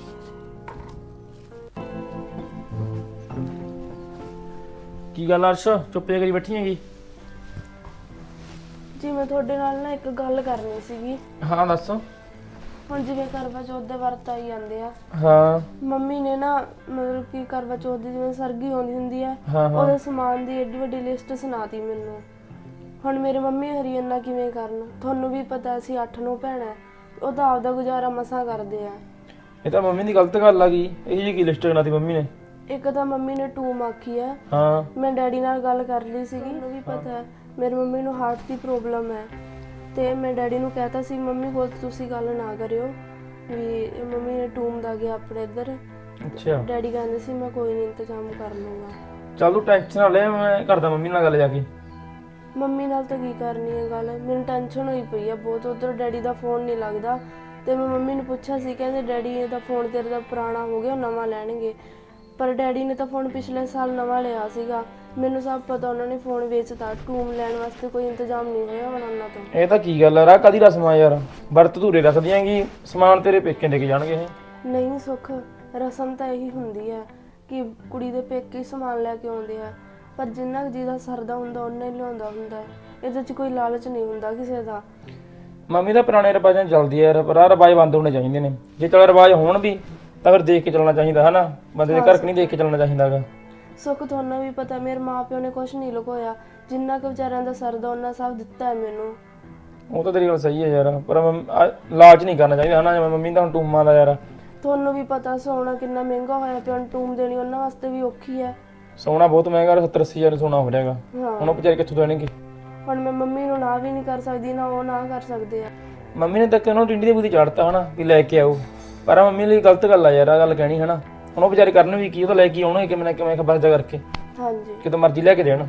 Speaker 7: ਕੀ ਗੱਲ ਅਰਸ਼ ਚੁੱਪ ਜਿਹਾ ਕਰੀ ਬੈਠੀ ਹੈਗੀ?
Speaker 3: ਜੀ ਮੈਂ ਤੁਹਾਡੇ ਨਾਲ ਨਾ ਇੱਕ ਗੱਲ ਕਰਨੀ ਸੀਗੀ।
Speaker 7: ਹਾਂ ਦੱਸ।
Speaker 3: ਹੁਣ ਜਿਵੇਂ ਕਰਵਾ ਚੌਥ ਦੇ ਵਰਤ ਆਈ ਜਾਂਦੇ ਆ,
Speaker 7: ਹਾਂ
Speaker 3: ਮੰਮੀ ਨੇ ਨਾ ਮਤਲਬ ਕਿ ਕਰਵਾ ਚੌਥ ਦੀ ਜਿਵੇਂ ਸਰਗੀ ਆਉਂਦੀ ਹੁੰਦੀ ਆ,
Speaker 7: ਹਾਂ ਹਾਂ
Speaker 3: ਉਹਦੇ ਸਮਾਨ ਦੀ ਏਡੀ ਵੱਡੀ ਲਿਸਟ ਸੁਣਾਤੀ ਮੈਨੂੰ। ਹੁਣ ਮੇਰੇ ਮੰਮੀ ਹਰੀ ਇੰਨਾ ਕਿਵੇਂ ਕਰਨ? ਤੁਹਾਨੂੰ ਵੀ ਪਤਾ ਅਸੀਂ 8-9 ਭੈਣਾਂ, ਉਹ ਤਾਂ ਆਪਦਾ ਗੁਜ਼ਾਰਾ ਮਸਾਂ ਕਰਦੇ ਆ।
Speaker 7: ਇਹ ਤਾਂ ਮੰਮੀ ਦੀ ਗਲਤ ਗੱਲ ਆ ਗਈ। ਇਹ ਜੀ ਕੀ ਲਿਸਟ ਬਣਾਤੀ ਮੰਮੀ ਨੇ?
Speaker 3: ਇੱਕ ਤਾਂ ਮੰਮੀ ਨੇ ਟੂਮ ਆਖੀ ਆ।
Speaker 7: ਹਾਂ
Speaker 3: ਮੈਂ ਡੈਡੀ ਨਾਲ ਗੱਲ ਕਰ ਲਈ ਸੀਗੀ, ਉਹਨੂੰ ਵੀ ਪਤਾ ਹੈ ਮੇਰੀ ਮੰਮੀ ਨੂੰ ਹਾਰਟ ਦੀ ਪ੍ਰੋਬਲਮ ਹੈ। ਤੇ ਮੈਂ ਡੈਡੀ ਨੂੰ ਕਹਿਤਾ ਸੀ ਮੰਮੀ ਕੋਲ ਤੁਸੀਂ ਗੱਲ ਨਾ ਕਰਿਓ ਵੀ ਮੰਮੀ ਨੇ ਟੂਮ ਦਾ ਗਿਆ ਆਪਣੇ ਇੱਧਰ।
Speaker 7: ਅੱਛਾ
Speaker 3: ਡੈਡੀ ਕਹਿੰਦੇ ਸੀ ਮੈਂ ਕੋਈ ਨਹੀਂ ਇੰਤਜ਼ਾਮ ਕਰ ਲੂੰਗਾ।
Speaker 7: ਚੱਲ ਤੂੰ ਟੈਨਸ਼ਨ ਨਾ ਲੈ, ਮੈਂ ਕਰਦਾ ਮੰਮੀ ਨਾਲ ਗੱਲ ਜਾ ਕੇ।
Speaker 3: ਮੰਮੀ ਨਾਲ ਤਾਂ ਕੀ ਕਰਨੀ ਹੈ ਗੱਲ, ਮੈਨੂੰ ਟੈਨਸ਼ਨ ਹੋਈ ਪਈ ਆ ਬਹੁਤ। ਉਧਰ ਡੈਡੀ ਦਾ ਫੋਨ ਨਹੀਂ ਲੱਗਦਾ ਤੇ ਮੈਂ ਮੰਮੀ ਨੂੰ ਪੁੱਛਿਆ ਸੀ, ਕਹਿੰਦੇ ਡੈਡੀ ਦਾ ਫੋਨ ਤੇਰੇ ਦਾ ਪੁਰਾਣਾ ਹੋ ਗਿਆ, ਨਵਾਂ ਲੈਣਗੇ। ਪਰ ਡੈਡੀ ਨੇ ਤਾਂ ਫੋਨ ਪਿਛਲੇ ਸਾਲ ਨਵਾਂ ਲਿਆ ਸੀਗਾ। ਮੈਨੂੰ ਸਭ ਪਤਾ ਉਹਨਾਂ ਨੇ ਫੋਨ ਵੇਚਤਾ। ਟੂਮ ਲੈਣ ਵਾਸਤੇ ਕੋਈ ਇੰਤਜ਼ਾਮ ਨਹੀਂ ਹੋਇਆ ਹੁਣ ਉਹਨਾਂ ਤੋਂ।
Speaker 7: ਇਹ ਤਾਂ ਕੀ ਗੱਲ ਆ ਰਾ, ਕਾਦੀ ਰਸਮ ਆ ਯਾਰ? ਵਰਤ ਧੂਰੇ ਰੱਖ ਦਿਆਂਗੀ, ਸਮਾਨ ਤੇਰੇ ਪੇਕੇ ਦੇ ਕੇ ਜਾਣਗੇ ਇਹ।
Speaker 3: ਨਹੀਂ ਸੁੱਖ, ਰਸਮ ਤਾਂ ਇਹੀ ਹੁੰਦੀ ਹੈ ਕਿ ਕੁੜੀ ਦੇ ਪੇਕੇ ਹੀ ਸਮਾਨ ਲੈ ਕੇ ਆਉਂਦੇ ਆ, ਪਰ ਜਿੰਨਾ ਕੁ ਜਿਹਦਾ ਸਰਦਾ ਹੁੰਦਾ ਉਹਨਾਂ ਹੀ ਲਿਆਉਂਦਾ ਹੁੰਦਾ ਹੈ। ਇਹਦੇ 'ਚ ਕੋਈ ਲਾਲਚ ਨਹੀਂ ਹੁੰਦਾ ਕਿਸੇ ਦਾ।
Speaker 7: ਮੰਮੀ ਦਾ ਪੁਰਾਣੇ ਰਿਵਾਜਾਂ 'ਚ ਚੱਲਦੀ ਆ ਯਾਰ, ਪਰ ਆਹ ਰਿਵਾਜ ਬੰਦ ਹੋਣੇ ਚਾਹੀਦੇ ਨੇ। ਜੇ ਚੱਲ ਰਿਵਾਜ ਹੋਣ ਵੀ ਤਾਂ ਫਿਰ ਦੇਖ ਕੇ ਚੱਲਣਾ ਚਾਹੀਦਾ ਹਨਾ, ਬੰਦੇ ਦੇ ਘਰ ਨਹੀਂ ਦੇਖ ਕੇ ਚੱਲਣਾ ਚਾਹੀਦਾ ਗਾ।
Speaker 3: ਸੁੱਖ ਤੁਹਾਨੂੰ ਵੀ ਪਤਾ ਮੇਰੇ ਮਾਪਿਓ ਨੇ ਕੁਝ ਨਹੀਂ ਲੁਕੋਇਆ, ਜਿੰਨਾ ਕੁ ਵਿਚਾਰਿਆਂ ਦਾ ਸਰਦਾ ਉਹਨਾਂ ਸਭ ਦਿੱਤਾ ਹੈ ਮੈਨੂੰ।
Speaker 7: ਉਹ ਤਾਂ ਤੇਰੀ ਗੱਲ ਸਹੀ ਹੈ ਯਾਰ, ਪਰ ਲਾਲਚ ਨਹੀਂ ਕਰਨਾ ਚਾਹੀਦਾ ਹਨਾ। ਜਿਵੇਂ ਮੰਮੀ ਦਾ ਹੁਣ ਟੂਮਾਂ ਦਾ ਯਾਰ,
Speaker 3: ਤੁਹਾਨੂੰ ਵੀ ਪਤਾ ਸੋਨਾ ਕਿੰਨਾ ਮਹਿੰਗਾ ਹੋਇਆ ਪਿਆ, ਹੁਣ ਟੂਮ ਦੇਣੀ ਉਹਨਾਂ ਵਾਸਤੇ ਵੀ ਔਖੀ ਹੈ।
Speaker 7: ਸੋਨਾ ਬਹੁਤ ਮਹਿੰਗਾ, 70-80 ਹਜ਼ਾਰ ਸੋਨਾ ਹੋ ਰਿਹਾਗਾ।
Speaker 3: ਹਾਂ
Speaker 7: ਹੁਣ ਉਹ ਵਿਚਾਰੇ ਕਿੱਥੋਂ ਦੇਣਗੇ?
Speaker 3: ਹੁਣ ਮੈਂ ਮੰਮੀ ਨੂੰ ਨਾ ਵੀ ਨਹੀਂ ਕਰ ਸਕਦੀ, ਨਾ ਉਹ ਨਾ ਕਰ ਸਕਦੇ ਆ।
Speaker 7: ਮੰਮੀ ਨੇ ਤਾਂ ਕਿ ਉਹਨੂੰ ਟਿੰਡੀ ਦੇ ਬੂਦੀ ਚਾੜਤਾ ਹਨਾ ਵੀ ਲੈ ਕੇ ਆਓ, ਪਰ ਆਹ ਮੰਮੀ ਲਈ ਗਲਤ ਗੱਲ ਆ ਯਾਰ, ਆ ਗੱਲ ਕਹਿਣੀ ਹਨਾ। ਹੁਣ ਉਹ ਵਿਚਾਰੇ ਕਰਨ ਵੀ ਕੀ, ਉਹ ਤਾਂ ਲੈ ਕੇ ਆਉਣਗੇ ਕਿਵੇਂ ਨਾ ਕਿਵੇਂ ਖਬਰਦਾ ਕਰਕੇ,
Speaker 3: ਹਾਂਜੀ
Speaker 7: ਕਿਤੇ ਮਰਜ਼ੀ ਲੈ ਕੇ ਦੇਣ।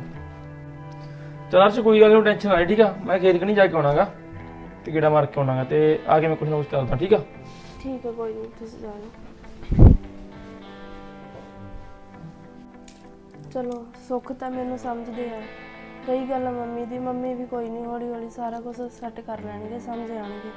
Speaker 7: ਚਲ ਅਰਸ਼ ਕੋਈ ਗੱਲ ਨਹੀਂ, ਟੈਨਸ਼ਨ ਨਾ ਲੈ ਠੀਕ ਆ। ਮੈਂ ਖੇਤ ਕਣੀ ਜਾ ਕੇ ਆਉਣਾਗਾ ਤੇ ਗੇੜਾ ਮਾਰ ਕੇ ਆਉਣਾਗਾ, ਤੇ ਆ ਕੇ ਮੈਂ ਕੁਛ ਨਾ ਕੁਛ ਕਰਦਾ ਠੀਕ ਆ।
Speaker 3: ਠੀਕ ਹੈ, ਕੋਈ ਨਹੀਂ ਤੁਸੀਂ ਜਾਓ। ਚਲੋ ਸੁੱਖ ਤਾਂ ਮੈਨੂੰ ਸਮਝਦੇ ਆ। ਰਹੀ ਗੱਲ ਮੰਮੀ ਦੀ, ਮੰਮੀ ਵੀ ਕੋਈ ਨਹੀਂ ਹੌਲੀ ਹੌਲੀ ਸਾਰਾ ਕੁਝ ਸੈੱਟ ਕਰ ਲੈਣਗੇ, ਸਮਝ ਆਣਗੇ।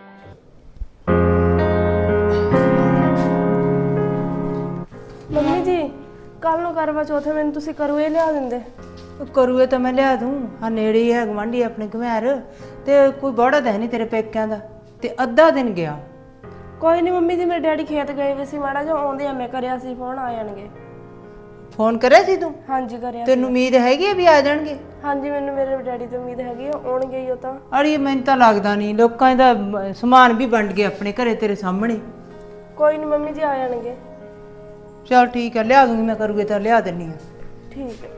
Speaker 3: ਮੰਮੀ ਜੀ ਕੱਲ ਨੂੰ ਕਰਵਾ ਚੌਥ ਮੈਨੂੰ ਤੁਸੀਂ ਕਰੂਏ ਲਿਆ ਦਿੰਦੇ?
Speaker 1: ਕਰੂਏ ਤਾਂ ਮੈਂ ਲਿਆ ਦੂੰ, ਆ ਨੇੜੇ ਹੀ ਹੈ ਗਵਾਂਢੀ ਆਪਣੇ ਘਮਿਆਰ, ਤੇ ਕੋਈ ਬੜਾ ਤਾਂ ਹੈ ਨਹੀਂ ਤੇਰੇ ਪੇਕਿਆਂ ਦਾ, ਤੇ ਅੱਧਾ ਦਿਨ ਗਿਆ।
Speaker 3: ਕੋਈ ਨਹੀਂ ਮੰਮੀ ਜੀ, ਮੇਰੇ ਡੈਡੀ ਖੇਤ ਗਏ ਵੇ ਸੀ, ਮਾੜਾ ਜਿਹਾ ਆਉਂਦੇ ਆ ਮੈਂ ਕਰਿਆ ਸੀ ਫੋਨ, ਆ ਜਾਣਗੇ।
Speaker 1: ਫੋਨ ਕਰਿਆ ਸੀ ਤੂੰ?
Speaker 3: ਹਾਂਜੀ ਕਰਿਆ।
Speaker 1: ਤੈਨੂੰ ਉਮੀਦ ਹੈਗੀ ਹੈ ਵੀ ਆ ਜਾਣਗੇ?
Speaker 3: ਹਾਂਜੀ ਮੈਨੂੰ ਮੇਰੇ ਡੈਡੀ ਤੋਂ ਉਮੀਦ ਹੈਗੀ ਆ, ਆਉਣਗੇ ਹੀ ਉਹ ਤਾਂ।
Speaker 1: ਅੜੀ ਮੈਨੂੰ ਤਾਂ ਲੱਗਦਾ ਨਹੀਂ, ਲੋਕਾਂ ਦਾ ਸਮਾਨ ਵੀ ਵੰਡ ਗਏ ਆਪਣੇ ਘਰੇ ਤੇਰੇ ਸਾਹਮਣੇ।
Speaker 3: ਕੋਈ ਨਹੀਂ ਮੰਮੀ ਜੀ ਆ ਜਾਣਗੇ।
Speaker 1: ਚਲ ਠੀਕ ਹੈ, ਲਿਆ ਦੂੰਗੀ ਮੈਂ, ਕਰੂਗੇ ਤਾਂ ਲਿਆ ਦਿੰਨੀ ਆ।
Speaker 3: ਠੀਕ ਹੈ।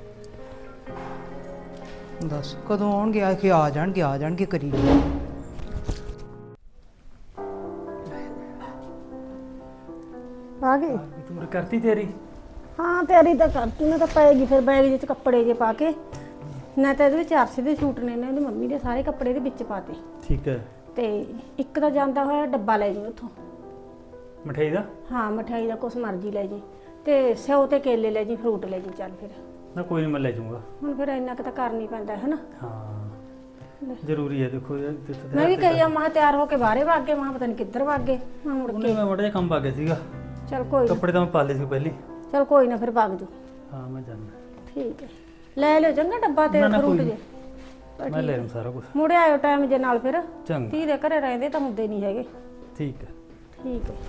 Speaker 1: ਦੱਸ ਕਦੋਂ ਆਉਣਗੇ? ਆ ਕੇ ਆ ਜਾਣਗੇ ਕਰੀ।
Speaker 6: ਆ ਗਈ?
Speaker 4: ਤੂੰ ਕਰਤੀ ਤੇਰੀ?
Speaker 6: ਹਾਂ ਤਿਆਰੀ ਤਾਂ ਕਰਤੀ ਮੈਂ, ਤਾਂ ਪਏਗੀ ਫਿਰ ਬੈਗ ਜਿਹੇ ਚ ਕੱਪੜੇ ਜੇ ਪਾ ਕੇ। ਨਾ ਤਾਂ ਇਹਦੇ ਵਿੱਚ ਅਰਸ਼ ਦੇ ਸੂਟ ਨੇ, ਇਹਦੀ ਮੰਮੀ ਦੇ ਸਾਰੇ ਕੱਪੜੇ ਦੇ ਵਿੱਚ ਪਾਤੇ।
Speaker 4: ਠੀਕ ਹੈ।
Speaker 6: ਤੇ ਇੱਕ ਤਾਂ ਜਾਂਦਾ ਹੋਇਆ ਡੱਬਾ ਲੈ ਜੀ ਉੱਥੋਂ,
Speaker 4: ਮਠਿਆਈ ਦਾ?
Speaker 6: ਹਾਂ ਮਠਿਆਈ ਦਾ ਕੁਛ ਮਰਜ਼ੀ ਲੈ ਜੀ, ਤੇ ਸਿਓ ਤੇ ਕੇਲੇ ਲੈ ਜੀ, ਫਰੂਟ ਲੈ ਜੀ। ਚੱਲ ਫਿਰ
Speaker 4: ਨਾ ਕੋਈ ਨਹੀਂ, ਮੈਂ ਲੈ ਜਾਊਂਗਾ।
Speaker 6: ਹੁਣ ਫਿਰ ਇੰਨਾ ਕੁ ਤਾਂ ਕਰਨਾ ਹੀ ਪੈਂਦਾ ਹੈ ਨਾ।
Speaker 4: ਹਾਂ ਜ਼ਰੂਰੀ ਹੈ, ਦੇਖੋ ਯਾਰ
Speaker 6: ਮੈਂ ਵੀ ਕਹੀ ਆ ਮਾਂ ਤਿਆਰ ਹੋ ਕੇ ਬਾਹਰੇ ਵਗ ਗਏ, ਮਾਂ ਪਤਾ ਨਹੀਂ ਕਿੱਧਰ ਵਗ ਗਏ। ਮੈਂ ਮੁੜ
Speaker 4: ਉਹਨੇ
Speaker 6: ਕੇ
Speaker 4: ਮੈਂ ਬੜਾ ਜਿਹਾ ਕੰਮ ਪਾ ਗਿਆ ਸੀਗਾ,
Speaker 6: ਚਲ ਕੋਈ ਨਾ,
Speaker 4: ਕੱਪੜੇ ਤਾਂ ਮੈਂ ਪਾ ਲਏ ਸੀ ਪਹਿਲੇ।
Speaker 6: ਚਲ ਕੋਈ ਨਾ ਫਿਰ ਵਗ ਜੂ।
Speaker 4: ਹਾਂ ਮੈਂ ਜਾਣਾ।
Speaker 6: ਠੀਕ ਹੈ, ਲੈ ਲਿਓ ਚੰਗਾ ਡੱਬਾ ਤੇ
Speaker 4: ਨਾ,
Speaker 6: ਫਰੂਟ
Speaker 4: ਕੋਈ
Speaker 6: ਜੇ।
Speaker 4: ਮੈਂ ਲੈ ਲੂੰ ਸਾਰਾ ਕੁਝ।
Speaker 6: ਮੁੜੇ ਆਇਓ ਟਾਈਮ ਜੇ ਨਾਲ ਫਿਰ,
Speaker 4: ਚੰਗਾ
Speaker 6: ਧੀ ਦੇ ਘਰੇ ਰਹਿੰਦੇ ਤਾਂ ਹੁੰਦੇ ਨਹੀਂ ਹੈਗੇ।
Speaker 4: ਠੀਕ ਹੈ।
Speaker 6: ਠੀਕ ਹੈ।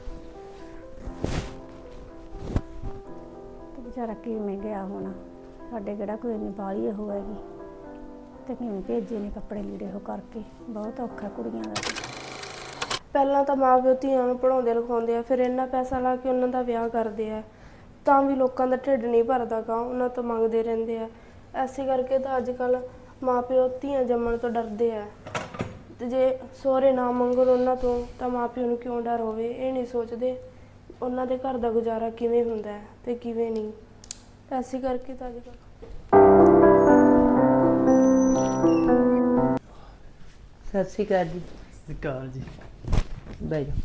Speaker 6: ਤੇ ਵਿਚਾਰਾ ਕਿਵੇਂ ਗਿਆ ਹੋਣਾ, ਸਾਡੇ ਕਿਹੜਾ ਕੋਈ ਇੰਨੀ ਬਾਹਲੀ ਉਹ ਹੈਗੀ, ਤੇ ਕਿਵੇਂ ਭੇਜੇ ਨੇ ਕੱਪੜੇ ਲੀੜੇ ਉਹ ਕਰਕੇ। ਬਹੁਤ ਔਖਾ ਕੁੜੀਆਂ ਦਾ।
Speaker 3: ਪਹਿਲਾਂ ਤਾਂ ਮਾਂ ਪਿਓ ਧੀਆਂ ਨੂੰ ਪੜਾਉਂਦੇ ਲਿਖਾਉਂਦੇ ਆ, ਫਿਰ ਇੰਨਾ ਪੈਸਾ ਲਾ ਕੇ ਉਹਨਾਂ ਦਾ ਵਿਆਹ ਕਰਦੇ ਆ, ਤਾਂ ਵੀ ਲੋਕਾਂ ਦਾ ਢਿੱਡ ਨਹੀਂ ਭਰਦਾ ਗਾ, ਉਹਨਾਂ ਤੋਂ ਮੰਗਦੇ ਰਹਿੰਦੇ ਆ। ਐਸੇ ਕਰਕੇ ਤਾਂ ਅੱਜ ਕੱਲ੍ਹ ਮਾਂ ਪਿਓ ਧੀਆਂ ਜੰਮਣ ਤੋਂ ਡਰਦੇ ਆ, ਤੇ ਜੇ ਸਹੁਰੇ ਨਾ ਮੰਗਣ ਉਹਨਾਂ ਤੋਂ ਤਾਂ ਮਾਂ ਪਿਓ ਨੂੰ ਕਿਉਂ ਡਰ ਹੋਵੇ, ਇਹ ਨਹੀਂ ਸੋਚਦੇ ਉਹਨਾਂ ਦੇ ਘਰ ਦਾ ਗੁਜ਼ਾਰਾ ਕਿਵੇਂ ਹੁੰਦਾ ਹੈ ਤੇ ਕਿਵੇਂ ਨਹੀਂ। ਐਸੇ ਕਰਕੇ ਤਾਂ ਅੱਜ ਕੱਲ੍ਹ।
Speaker 1: ਸਤਿ ਸ਼੍ਰੀ ਅਕਾਲ ਜੀ।
Speaker 4: ਸਤਿਕਾਰ ਜੀ।
Speaker 1: ਬਹਿ ਜਾ।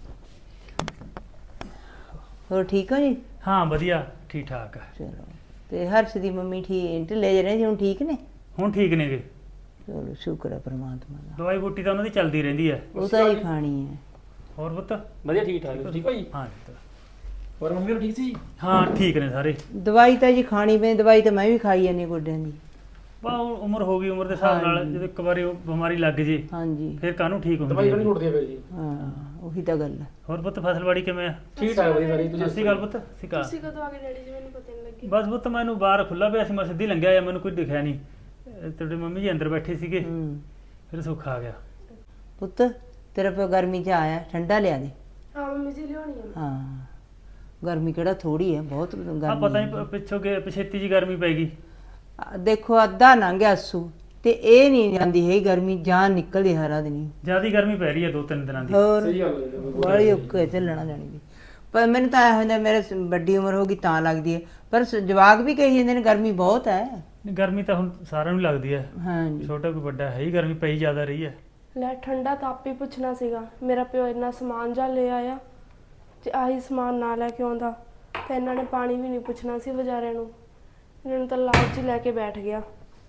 Speaker 1: ਹੋਰ ਠੀਕ ਹੋ ਜੀ?
Speaker 4: ਹਾਂ ਵਧੀਆ, ਠੀਕ ਠਾਕ ਆ।
Speaker 1: ਚਲੋ, ਤੇ ਹਰਸ਼ ਦੀ ਮੰਮੀ ਠੀਕ ਢਿੱਲੇ ਜਿਹੇ ਨੇ ਜੀ, ਹੁਣ ਠੀਕ ਨੇ?
Speaker 4: ਹੁਣ ਠੀਕ ਨੇਗੇ।
Speaker 1: ਚਲੋ ਸ਼ੁਕਰ ਹੈ ਪ੍ਰਮਾਤਮਾ ਦਾ।
Speaker 4: ਦਵਾਈ ਬੂਟੀ ਤਾਂ ਉਹਨਾਂ ਦੀ ਚੱਲਦੀ ਰਹਿੰਦੀ ਹੈ।
Speaker 1: ਉਹ ਤਾਂ ਹੀ ਖਾਣੀ ਹੈ।
Speaker 4: ਹੋਰ ਪੁੱਤ?
Speaker 7: ਵਧੀਆ ਠੀਕ ਠਾਕ ਠੀਕ ਹੋ ਜੀ?
Speaker 4: ਹਾਂ ਪੁੱਤ।
Speaker 7: ਹੋਰ ਮੰਮੀ ਹੋਰ ਠੀਕ ਸੀ?
Speaker 4: ਹਾਂ ਠੀਕ ਨੇ ਸਾਰੇ।
Speaker 1: ਦਵਾਈ ਤਾਂ ਜੀ ਖਾਣੀ ਪੈਂਦੀ, ਦਵਾਈ ਤਾਂ ਮੈਂ ਵੀ ਖਾਈ ਜਾਂਦੀ ਗੋਡਿਆਂ ਦੀ।
Speaker 4: ਬਾ ਉਮਰ ਹੋ ਗਈ, ਉਮਰ ਦੇ ਹਿਸਾਬ ਨਾਲ ਜਦੋਂ ਇੱਕ ਵਾਰੀ ਉਹ ਬਿਮਾਰੀ ਲੱਗ ਜੇ
Speaker 1: ਹਾਂਜੀ
Speaker 4: ਫਿਰ ਕਾਹਨੂੰ ਠੀਕ ਹੁੰਦੀ
Speaker 7: ਦਵਾਈ
Speaker 4: ਹੈ।
Speaker 7: ਨਹੀਂ ਛੁੱਟਦੀ ਹੈ ਫਿਰ ਜੀ।
Speaker 1: ਹਾਂ ਉਹੀ ਤਾਂ ਗੱਲ ਹੈ।
Speaker 4: ਹੋਰ ਪੁੱਤ ਫਸਲਵਾੜੀ ਕਿਵੇਂ ਆ?
Speaker 7: ਠੀਕ ਠਾਕ ਵਧੀਆ ਸਾਰੀ।
Speaker 4: ਸਤਿ ਸ਼੍ਰੀ ਅਕਾਲ ਪੁੱਤ। ਸਤਿ ਸ਼੍ਰੀ ਅਕਾਲ।
Speaker 3: ਤੁਸੀਂ ਕਦੋਂ ਆ ਗਏ ਡੈਡੀ ਜੀ? ਮੈਨੂੰ ਪਤਾ ਨਹੀਂ ਲੱਗਿਆ।
Speaker 4: ਬਸ ਪੁੱਤ ਮੈਨੂੰ ਬਾਹਰ ਖੁੱਲਾ ਪਿਆ ਸੀ, ਮੈਂ ਸਿੱਧੀ ਲੰਘਿਆ ਜਾਂ ਮੈਨੂੰ ਕੋਈ ਦਿਖਿਆ ਨਹੀਂ। ਤੁਹਾਡੇ ਮੰਮੀ ਜੀ ਅੰਦਰ ਬੈਠੇ ਸੀਗੇ, ਫਿਰ ਸੁੱਖ ਆ ਗਿਆ।
Speaker 1: ਪੁੱਤ ਤੇਰਾ ਪਿਓ ਗਰਮੀ 'ਚ ਆਇਆ, ਠੰਡਾ ਲਿਆ ਦੇ।
Speaker 3: ਹਾਂ ਮੰਮੀ ਜੀ ਲਿਆਉਣੀ ਹੈ।
Speaker 1: ਹਾਂ ਗਰਮੀ ਕਿਹੜਾ ਥੋੜੀ ਹੈ, ਬਹੁਤ
Speaker 4: ਆ
Speaker 1: ਗਰਮੀ
Speaker 4: ਪਤਾ
Speaker 1: ਹੈ।
Speaker 4: ਨਹੀਂ ਪਿੱਛੋਂ ਕਿ ਪਛੇਤੀ ਜੀ ਗਰਮੀ ਪੈ ਗਈ।
Speaker 1: ਦੇਖੋ ਅੱਧਾ ਲੰਘ ਗਿਆ ਅੱਸੂ ਤੇ ਇਹ ਨਹੀਂ ਜਾਂਦੀ ਹੈ ਗਰਮੀ, ਜਾਨ ਨਿਕਲਦੀ ਹਰਾ ਦਿਨ।
Speaker 4: ਜ਼ਿਆਦੀ ਗਰਮੀ ਪੈ ਰਹੀ ਹੈ 2-3 ਦਿਨਾਂ ਦੀ।
Speaker 1: ਹੋਰ
Speaker 7: ਸਹੀ ਗੱਲ ਹੈ।
Speaker 1: ਬੜੀ ਔਖੇ ਚੱਲਣਾ ਜਾਣੀ ਦੀ। ਪਰ ਮੈਨੂੰ ਤਾਂ ਇਹ ਹੁੰਦਾ ਮੇਰੇ ਵੱਡੀ ਉਮਰ ਹੋ ਗਈ ਤਾਂ ਲੱਗਦੀ ਹੈ, ਪਰ ਜਵਾਕ ਵੀ ਕਹੀ ਜਾਂਦੇ ਨੇ ਗਰਮੀ ਬਹੁਤ ਹੈ।
Speaker 4: ਗਰਮੀ ਤਾਂ ਹੁਣ ਸਾਰਿਆਂ ਨੂੰ ਲੱਗਦੀ ਹੈ,
Speaker 1: ਹਾਂਜੀ
Speaker 4: ਛੋਟਾ ਕੋਈ ਵੱਡਾ ਹੈ ਹੀ, ਗਰਮੀ ਪਈ ਜ਼ਿਆਦਾ ਰਹੀ ਹੈ।
Speaker 3: ਲੈ ਠੰਡਾ ਤਾਂ ਆਪੇ ਪੁੱਛਣਾ ਸੀਗਾ। ਮੇਰਾ ਪਿਓ ਇੰਨਾ ਸਮਾਨ ਜਾ ਲੈ ਆਇਆ, ਜੇ ਆਹੀ ਸਮਾਨ ਨਾ ਲੈ ਕੇ ਆਉਂਦਾ ਤਾਂ ਇਹਨਾਂ ਨੇ ਪਾਣੀ ਵੀ ਨਹੀਂ ਪੁੱਛਣਾ ਸੀ ਵਿਚਾਰਿਆਂ ਨੂੰ। ਇਹਨਾਂ ਨੂੰ ਤਾਂ ਲਾਲਚ ਹੀ ਲੈ ਕੇ ਬੈਠ ਗਿਆ।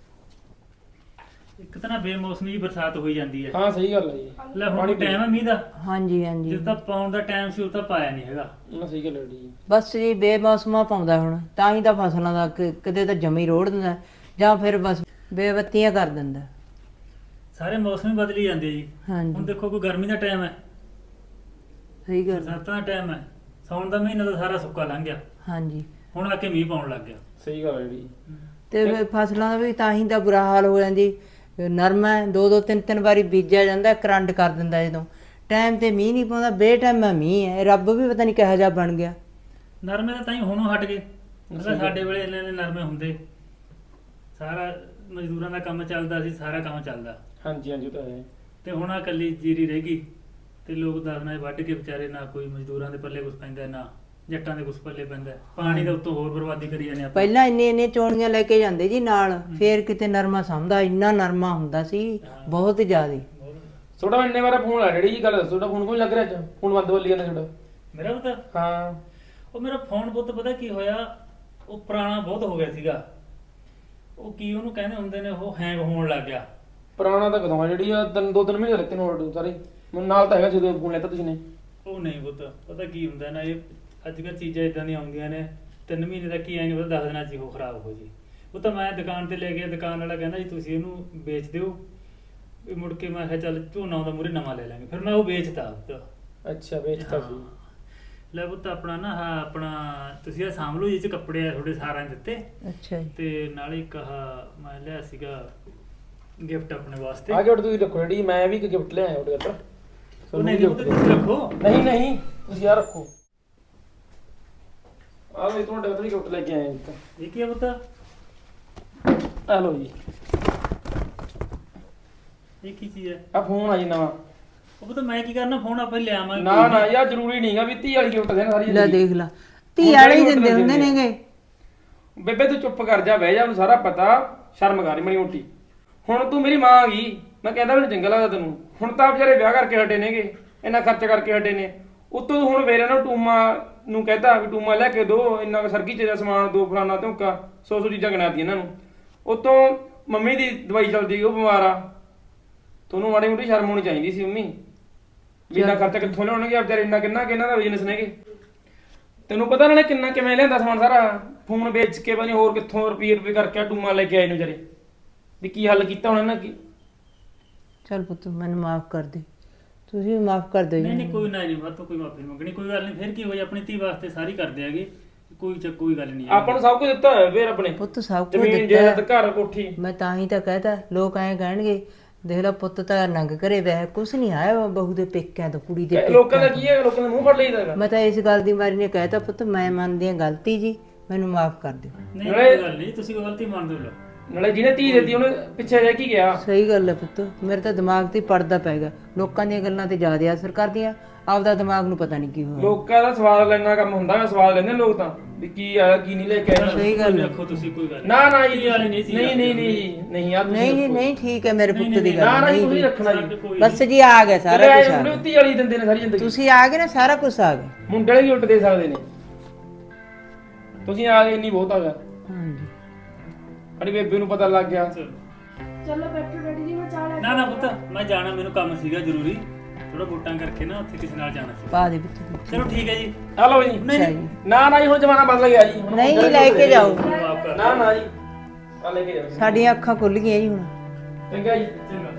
Speaker 4: ਇੱਕ ਤਾਂ ਨਾ ਬੇਮੌਸਮੀ ਜਿਹੀ ਬਰਸਾਤ ਹੋਈ ਜਾਂਦੀ ਹੈ।
Speaker 7: ਹਾਂ ਸਹੀ ਗੱਲ ਹੈ ਜੀ।
Speaker 4: ਲੈ ਹੁਣ ਟਾਈਮ ਹੈ ਮੀਂਹ ਦਾ,
Speaker 1: ਹਾਂਜੀ ਹਾਂਜੀ
Speaker 4: ਜਿਸ ਦਾ ਪਾਉਣ ਦਾ ਟਾਈਮ ਸੀ ਉਹ ਤਾਂ ਪਾਇਆ ਨਹੀਂ ਹੈਗਾ।
Speaker 7: ਨਾ ਸਹੀ ਗੱਲ ਹੈ ਜੀ।
Speaker 1: ਬਸ ਜੀ ਬੇਮੌਸਮਾ ਪਾਉਂਦਾ ਹੁਣ, ਤਾਂ ਹੀ ਤਾਂ ਫਸਲਾਂ ਦਾ ਕਿਤੇ ਤਾਂ ਜਮੀ ਰੋੜ ਦਿੰਦਾ ਜਾਂ ਫਿਰ ਬਸ ਬੇਵੱਤੀਆਂ ਕਰ ਦਿੰਦਾ।
Speaker 4: ਸਾਰੇ ਮੌਸਮ ਹੀ ਬਦਲੀ ਜਾਂਦੇ ਜੀ।
Speaker 1: ਹਾਂਜੀ
Speaker 4: ਹੁਣ ਦੇਖੋ ਕੋਈ ਗਰਮੀ ਦਾ ਟਾਈਮ ਹੈ,
Speaker 1: ਸਹੀ ਗੱਲ ਹੈ।
Speaker 4: ਬਰਸਾਤਾਂ ਦਾ ਟਾਈਮ ਹੈ, ਸਾਉਣ ਦਾ ਮਹੀਨਾ ਤਾਂ ਸਾਰਾ ਸੁੱਕਾ ਲੰਘ ਗਿਆ,
Speaker 1: ਹਾਂਜੀ
Speaker 4: ਹੁਣ ਆ ਕੇ ਮੀਂਹ ਪਾਉਣ ਲੱਗ ਗਿਆ।
Speaker 7: ਸਹੀ ਗੱਲ ਹੈ ਜੀ।
Speaker 1: ਤੇ ਫਿਰ ਫਸਲਾਂ ਦਾ ਵੀ ਤਾਂ ਹੀ ਤਾਂ ਬੁਰਾ ਹਾਲ ਹੋ ਜਾਂਦੀ। ਨਰਮਾ 2-2 3-3 ਵਾਰੀ ਬੀਜਿਆ ਜਾਂਦਾ, ਕਰੰਟ ਕਰ ਦਿੰਦਾ ਜਦੋਂ ਟਾਈਮ ਤੇ ਮੀਂਹ ਨਹੀਂ ਪਾਉਂਦਾ, ਬੇਟਾਈਮ ਮੀਂਹ ਹੈ। ਰੱਬ ਵੀ ਪਤਾ ਨਹੀਂ ਕਿਹੋ ਜਿਹਾ ਬਣ ਗਿਆ।
Speaker 4: ਨਰਮੇ ਤਾਂ ਹੀ ਹੁਣੋਂ ਹਟ ਗਏ, ਪਹਿਲਾਂ ਸਾਡੇ ਵੇਲੇ ਇੰਨੇ ਨਰਮੇ ਹੁੰਦੇ, ਸਾਰਾ ਮਜ਼ਦੂਰਾਂ ਦਾ ਕੰਮ ਚੱਲਦਾ ਸੀ, ਸਾਰਾ ਕੰਮ ਚੱਲਦਾ।
Speaker 7: ਹਾਂਜੀ ਹਾਂਜੀ ਉਹ ਤਾਂ ਹੈ।
Speaker 4: ਤੇ ਹੁਣ ਆ ਇਕੱਲੀ ਜੀਰੀ ਰਹਿ ਗਈ ਤੇ ਲੋਕ ਦਸਨਾ ਵੱਢ ਕੇ ਵਿਚਾਰੇ, ਨਾ ਕੋਈ ਮਜ਼ਦੂਰਾਂ ਦੇ ਪੱਲੇ ਕੁਛ ਪੈਂਦਾ, ਨਾ ਜੱਟਾਂ ਦੇ ਕੁਛ ਪੱਲੇ ਪੈਂਦਾ। ਪਾਣੀ ਦਾ ਉੱਤੋਂ ਹੋਰ ਬਰਬਾਦੀ ਕਰੀ ਜਾਂਦੇ ਆਪਾਂ।
Speaker 1: ਪਹਿਲਾਂ ਇੰਨੇ ਚੋਣੀਆਂ ਲੈ ਕੇ ਜਾਂਦੇ ਜੀ ਨਾਲ, ਫੇਰ ਕਿਤੇ ਨਰਮਾ ਸਮਝਦਾ, ਇੰਨਾ ਨਰਮਾ ਹੁੰਦਾ ਸੀ ਬਹੁਤ ਜ਼ਿਆਦਾ।
Speaker 7: ਤੁਹਾਡਾ ਇੰਨੇ ਵਾਰ ਫੋਨ ਆ ਡੈਡੀ ਜੀ, ਗੱਲ ਦੱਸੋ ਤੁਹਾਡਾ ਫੋਨ ਕੋਈ ਲੱਗ ਰਿਹਾ ਅੱਜ? ਫੋਨ ਬੰਦ ਬੋਲੀ ਜਾਂਦਾ ਤੁਹਾਡਾ।
Speaker 4: ਮੇਰਾ ਪੁੱਤ,
Speaker 7: ਹਾਂ
Speaker 4: ਉਹ ਮੇਰਾ ਫੋਨ ਪੁੱਤ ਪਤਾ ਕੀ ਹੋਇਆ, ਉਹ ਪੁਰਾਣਾ ਬਹੁਤ ਹੋ ਗਿਆ ਸੀਗਾ। ਉਹ ਕੀ ਉਹਨੂੰ ਕਹਿੰਦੇ ਹੁੰਦੇ ਨੇ, ਉਹ ਹੈਂਗ ਹੋਣ ਲੱਗ ਗਿਆ।
Speaker 7: ਪੁਰਾਣਾ ਤਾਂ ਕਦੋਂ ਆ ਜਿਹੜੀ ਆ 2-3 ਮਹੀਨੇ ਲੱਤੇ ਨੋਟ ਸਾਰੇ ਮੈਨੂੰ ਨਾਲ ਤਾਂ ਹੈਗਾ ਜਦੋਂ ਫੋਨ ਲੈਤਾ ਤੁਸੀਂ ਨੇ।
Speaker 4: ਉਹ ਨਹੀਂ ਪੁੱਤ, ਪਤਾ ਕੀ ਹੁੰਦਾ ਨਾ, ਇਹ ਅੱਜ ਕੱਲ੍ਹ ਚੀਜ਼ਾਂ ਇਦਾਂ ਦੀਆਂ ਆਉਂਦੀਆਂ ਨੇ, 3 ਮਹੀਨੇ ਦਾ ਕੀ ਐ ਨਹੀਂ ਪਤਾ, 10 ਦਿਨਾਂ 'ਚ ਹੀ ਉਹ ਖਰਾਬ ਹੋ ਜੀ। ਉਹ ਤਾਂ ਮੈਂ ਦੁਕਾਨ ਤੇ ਲੈ ਗਿਆ, ਦੁਕਾਨ ਵਾਲਾ ਕਹਿੰਦਾ ਜੀ ਤੁਸੀਂ ਇਹਨੂੰ ਵੇਚ ਦਿਓ। ਵੀ ਮੁੜ ਕੇ ਮੈਂ ਕਿਹਾ ਚੱਲ ਝੋਨਾ ਆਉਂਦਾ ਮੂਹਰੇ ਨਵਾਂ ਲੈ ਲਾਂਗੇ, ਫਿਰ ਮੈਂ ਉਹ ਵੇਚਤਾ ਪੁੱਤ।
Speaker 7: ਅੱਛਾ ਵੇਚਤਾ ਸੀ।
Speaker 4: ਲੈ ਪੁੱਤ ਆਪਣਾ ਨਾ ਆਹ ਆਪਣਾ ਤੁਸੀਂ ਇਹ ਸਾਂਭ ਲਓ, ਇਹ 'ਚ ਕੱਪੜੇ ਆ ਤੁਹਾਡੇ ਸਾਰਿਆਂ ਦੇ ਦਿੱਤੇ,
Speaker 1: ਅੱਛਾ ਜੀ
Speaker 4: ਤੇ ਨਾਲੇ ਇੱਕ ਆਹ ਮੈਂ ਲਿਆ ਸੀਗਾ ਗਿਫਟ ਆਪਣੇ ਵਾਸਤੇ।
Speaker 7: ਆ ਗਿਫਟ ਤੁਸੀਂ ਰੱਖੋ ਡੈਡੀ, ਮੈਂ ਵੀ ਇੱਕ ਗਿਫਟ ਲਿਆਇਆ ਤੁਹਾਡੇ ਘਰ।
Speaker 4: ਉਹ ਨਹੀਂ ਪੁੱਤ ਤੁਸੀਂ ਰੱਖੋ।
Speaker 7: ਨਹੀਂ ਨਹੀਂ ਤੁਸੀਂ ਆ ਰੱਖੋ। ਆ ਲਓ ਤੁਹਾਡੇ ਘਰ ਵੀ ਗਿਫਟ ਲੈ ਕੇ ਆਏ ਇੱਕ।
Speaker 4: ਇਹ ਕੀ ਆ ਪੁੱਤ?
Speaker 7: ਆ ਲਓ ਜੀ।
Speaker 4: ਇਹ ਕੀ ਚੀਜ਼ ਹੈ?
Speaker 7: ਆ ਫੋਨ ਆ ਜੀ ਨਵਾਂ।
Speaker 4: ਉਹ ਪੁੱਤ ਮੈਂ ਕੀ ਕਰਨਾ, ਫੋਨ ਆਪਾਂ ਹੀ ਲਿਆਵਾਂਗੇ।
Speaker 7: ਨਾ ਨਾ ਯਾਰ ਜ਼ਰੂਰੀ ਨਹੀਂਗਾ ਵੀ 30 ਵਾਲੀ ਗਿਫਟ ਦੇਣ ਸਾਰੀ
Speaker 1: ਲੈ
Speaker 7: ਜ਼ਿੰਦਗੀ।
Speaker 1: ਦੇਖ ਲਾ, ਧੀ ਵਾਲੇ ਹੀ ਦਿੰਦੇ ਹੁੰਦੇ ਨੇਗੇ।
Speaker 7: ਬੇਬੇ ਤੂੰ ਚੁੱਪ ਕਰ ਜਾ, ਬਹਿ ਜਾ, ਮੈਨੂੰ ਸਾਰਾ ਪਤਾ, ਸ਼ਰਮ ਕਰ ਮਣੀ ਮੋਟੀ। ਹੁਣ ਤੂੰ ਮੇਰੀ ਮਾਂ ਆ ਗਈ, ਮੈਂ ਕਹਿੰਦਾ ਮੈਨੂੰ ਚੰਗਾ ਲੱਗਦਾ ਤੈਨੂੰ। ਹੁਣ ਤਾਂ ਵਿਚਾਰੇ ਵਿਆਹ ਕਰਕੇ ਹਟੇ ਨੇਗੇ, ਇੰਨਾ ਖਰਚ ਕਰਕੇ ਹਟੇ ਨੇ, ਉੱਤੋਂ ਤੂੰ ਹੁਣ ਫੇਰ ਇਹਨਾਂ ਟੂਮਾ ਨੂੰ ਕਹਿੰਦਾ ਵੀ ਟੂਮਾ ਲੈ ਕੇ ਦੋ, ਇੰਨਾ ਸਰਗੀ ਚ ਦਾ ਸਮਾਨ ਦੋ, ਫਲਾਨਾ ਧੋਕਾ, 100 ਚੀਜ਼ਾਂ ਗਿਣਾਤੀ ਇਹਨਾਂ ਨੂੰ। ਉੱਤੋਂ ਮੰਮੀ ਦੀ ਦਵਾਈ ਚੱਲਦੀ, ਉਹ ਬਿਮਾਰ ਆ। ਤੁਹਾਨੂੰ ਮਾੜੀ ਮੋਟੀ ਸ਼ਰਮ ਹੋਣੀ ਚਾਹੀਦੀ ਸੀ ਮੰਮੀ, ਵੀ ਇੰਨਾ ਖਰਚਾ ਕਿੱਥੋਂ ਲਿਆਉਣਗੇ ਵਿਚਾਰੇ, ਇੰਨਾ ਕਿੰਨਾ ਕਿ ਇਹਨਾਂ ਦਾ ਬਿਜ਼ਨਸ ਨੇਗੇ। ਤੈਨੂੰ ਪਤਾ ਇਹਨਾਂ ਨੇ ਕਿੰਨਾ ਕਿਵੇਂ ਲਿਆਂਦਾ ਸਮਾਨ ਸਾਰਾ, ਫੋਨ ਵੇਚ ਕੇ ਪਤਾ ਨੀ ਹੋਰ ਕਿੱਥੋਂ ਰੁਪਏ ਕਰਕੇ ਟੂਮਾ ਲੈ ਕੇ ਆਏ ਨੇ ਵਿਚਾਰੇ। ਵੀ ਕੀ ਹੱਲ ਕੀਤਾ ਹੁਣ ਇਹਨਾਂ ਕੀ?
Speaker 1: ਚੱਲ ਪੁੱਤ ਮੈਨੂੰ ਮਾਫ ਕਰ ਦੇ, ਤੁਸੀਂ ਵੀ ਮਾਫ ਕਰ ਦਿਓ
Speaker 4: ਨਹੀਂ
Speaker 1: ਜੀ।
Speaker 4: ਨਹੀਂ ਕੋਈ ਨਾ, ਨਹੀਂ ਬਾਤ ਕੋਈ ਮਾਫੀ ਮੰਗਣੀ, ਕੋਈ ਗੱਲ ਨਹੀਂ। ਫਿਰ ਕੀ ਹੋਈ, ਆਪਣੀ ਧੀ ਵਾਸਤੇ ਸਾਰੀ ਕਰਦੇ ਆਗੇ, ਕੋਈ ਗੱਲ ਨਹੀਂ।
Speaker 7: ਆਪਾਂ ਨੂੰ ਸਭ ਕੁਝ ਦਿੱਤਾ ਹੋਇਆ ਫੇਰ ਆਪਣੇ,
Speaker 1: ਪੁੱਤ ਸਭ ਕੁਝ
Speaker 7: ਜ਼ਮੀਨ
Speaker 1: ਦਿੱਤਾ
Speaker 7: ਜਾਇਦਾਦ, ਘਰ ਕੋਠੀ।
Speaker 1: ਮੈਂ ਤਾਂ ਹੀ ਤਾਂ ਕਹਿਤਾ, ਲੋਕ ਐਂ ਕਹਿਣਗੇ ਦੇਖ ਲੈ ਪੁੱਤ ਤਾਂ ਨੰਗ ਘਰੇ ਬਹਿ, ਕੁਛ ਨਹੀਂ ਆਇਆ ਬਹੂ ਦੇ ਪੇਕਿਆਂ ਤੋਂ, ਕੁੜੀ ਦੇ
Speaker 7: ਲੋਕਾਂ ਦਾ
Speaker 1: ਪੇਕਿਆਂ
Speaker 7: ਕੀ ਹੈ, ਲੋਕਾਂ ਦਾ ਮੂੰਹ ਫੜ ਲਈਦਾ ਹੈਗਾ।
Speaker 1: ਮੈਂ ਤਾਂ ਇਸ ਗੱਲ ਦੀ ਮਾਰੀ ਨੇ ਕਹਿਤਾ ਪੁੱਤ ਮੈਂ ਮੰਨਦੀ ਹਾਂ ਗਲਤੀ ਜੀ, ਮੈਨੂੰ ਮਾਫ ਕਰ ਦਿਓ।
Speaker 4: ਨਹੀਂ ਕੋਈ ਗੱਲ ਨਹੀਂ, ਤੁਸੀਂ ਕੋਈ ਗਲਤੀ ਮੰਨ ਦਿਓ।
Speaker 7: ਨਾਲੇ ਜਿਹਨੇ ਧੀ ਦਿੱਤੀ ਉਹਨੇ ਪਿੱਛੇ ਰਹਿ ਕੇ ਗਿਆ।
Speaker 1: ਸਹੀ ਗੱਲ ਹੈ ਪੁੱਤ, ਮੇਰੇ ਤਾਂ ਦਿਮਾਗ ਤੇ ਪਰਦਾ ਪੈ ਗਿਆ, ਲੋਕਾਂ ਦੀਆਂ ਗੱਲਾਂ ਤੇ ਜ਼ਿਆਦਾ ਅਸਰ ਕਰਦੀਆਂ, ਆਪਦਾ ਦਿਮਾਗ ਨੂੰ ਪਤਾ ਨਹੀਂ ਕੀ ਹੋਇਆ।
Speaker 7: ਲੋਕਾਂ ਦਾ ਸਵਾਦ ਲੈਣਾ ਕੰਮ ਹੁੰਦਾ ਹੈ, ਸਵਾਦ ਲੈਂਦੇ ਨੇ ਲੋਕ ਤਾਂ ਵੀ ਕੀ ਆਇਆ ਕੀ ਨਹੀਂ ਲੈ ਕੇ ਆਇਆ।
Speaker 1: ਸਹੀ ਗੱਲ ਹੈ।
Speaker 4: ਰੱਖੋ ਤੁਸੀਂ, ਕੋਈ ਗੱਲ
Speaker 7: ਨਾ ਨਾ ਜੀ,
Speaker 4: ਧੀ ਵਾਲੀ ਨਹੀਂ ਸੀ।
Speaker 7: ਨਹੀਂ ਨਹੀਂ ਨਹੀਂ ਨਹੀਂ ਯਾਰ,
Speaker 1: ਨਹੀਂ ਜੀ ਨਹੀਂ, ਠੀਕ ਹੈ ਮੇਰੇ ਪੁੱਤ ਦੀ
Speaker 7: ਨਾ
Speaker 1: ਗੱਲ
Speaker 7: ਨਾ ਜੀ,
Speaker 1: ਨਹੀਂ
Speaker 7: ਤੁਸੀਂ ਰੱਖਣਾ ਜੀ।
Speaker 1: ਬਸ ਜੀ ਆ ਗਿਆ ਸਾਰਾ ਕੁਝ ਆ ਗਿਆ।
Speaker 7: ਧੀ ਵਾਲੀ ਦਿੰਦੇ ਨੇ ਸਾਰੀ ਜ਼ਿੰਦਗੀ,
Speaker 1: ਤੁਸੀਂ ਆ ਗਏ ਨਾ, ਸਾਰਾ ਕੁਝ ਆ ਗਿਆ।
Speaker 7: ਮੁੰਡੇ ਵਾਲੇ ਵੀ ਉੱਟ ਦੇ ਸਕਦੇ ਨੇ, ਤੁਸੀਂ ਆ ਗਏ ਇੰਨੀ ਬਹੁਤ ਆ ਗਿਆ।
Speaker 1: ਹਾਂਜੀ
Speaker 7: ਸਾਡੀ ਬੇਬੇ ਨੂੰ ਪਤਾ ਲੱਗ ਗਿਆ,
Speaker 3: ਚਲੋ ਬੈਠੋ ਡੈਡੀ ਜੀ, ਮੈਂ ਚਾਹ ਲੈ
Speaker 4: ਨਾ ਨਾ ਪੁੱਤ ਮੈਂ ਜਾਣਾ, ਮੈਨੂੰ ਕੰਮ ਸੀਗਾ ਜ਼ਰੂਰੀ, ਥੋੜਾ ਵੋਟਾਂ ਕਰਕੇ ਨਾ ਉੱਥੇ ਕਿਸੇ ਨਾਲ ਜਾਣਾ ਸੀ।
Speaker 1: ਪਾ ਦੇ ਪੁੱਤ।
Speaker 4: ਚਲੋ ਠੀਕ ਹੈ ਜੀ।
Speaker 7: ਆ ਲਓ ਜੀ।
Speaker 4: ਨਹੀਂ ਨਹੀਂ
Speaker 7: ਨਾ ਨਾ ਜੀ, ਹੁਣ ਜ਼ਮਾਨਾ ਬਦਲ ਗਿਆ ਜੀ। ਹੁਣ
Speaker 1: ਨਹੀਂ ਲੈ ਕੇ ਜਾਓ,
Speaker 4: ਮਾਫ ਕਰ
Speaker 7: ਨਾ ਨਾ ਜੀ, ਆ ਲੈ ਕੇ ਜਾਓ।
Speaker 1: ਸਾਡੀਆਂ ਅੱਖਾਂ ਖੁੱਲ ਗਈਆਂ ਜੀ ਹੁਣ।
Speaker 7: ਚੰਗਾ ਜੀ।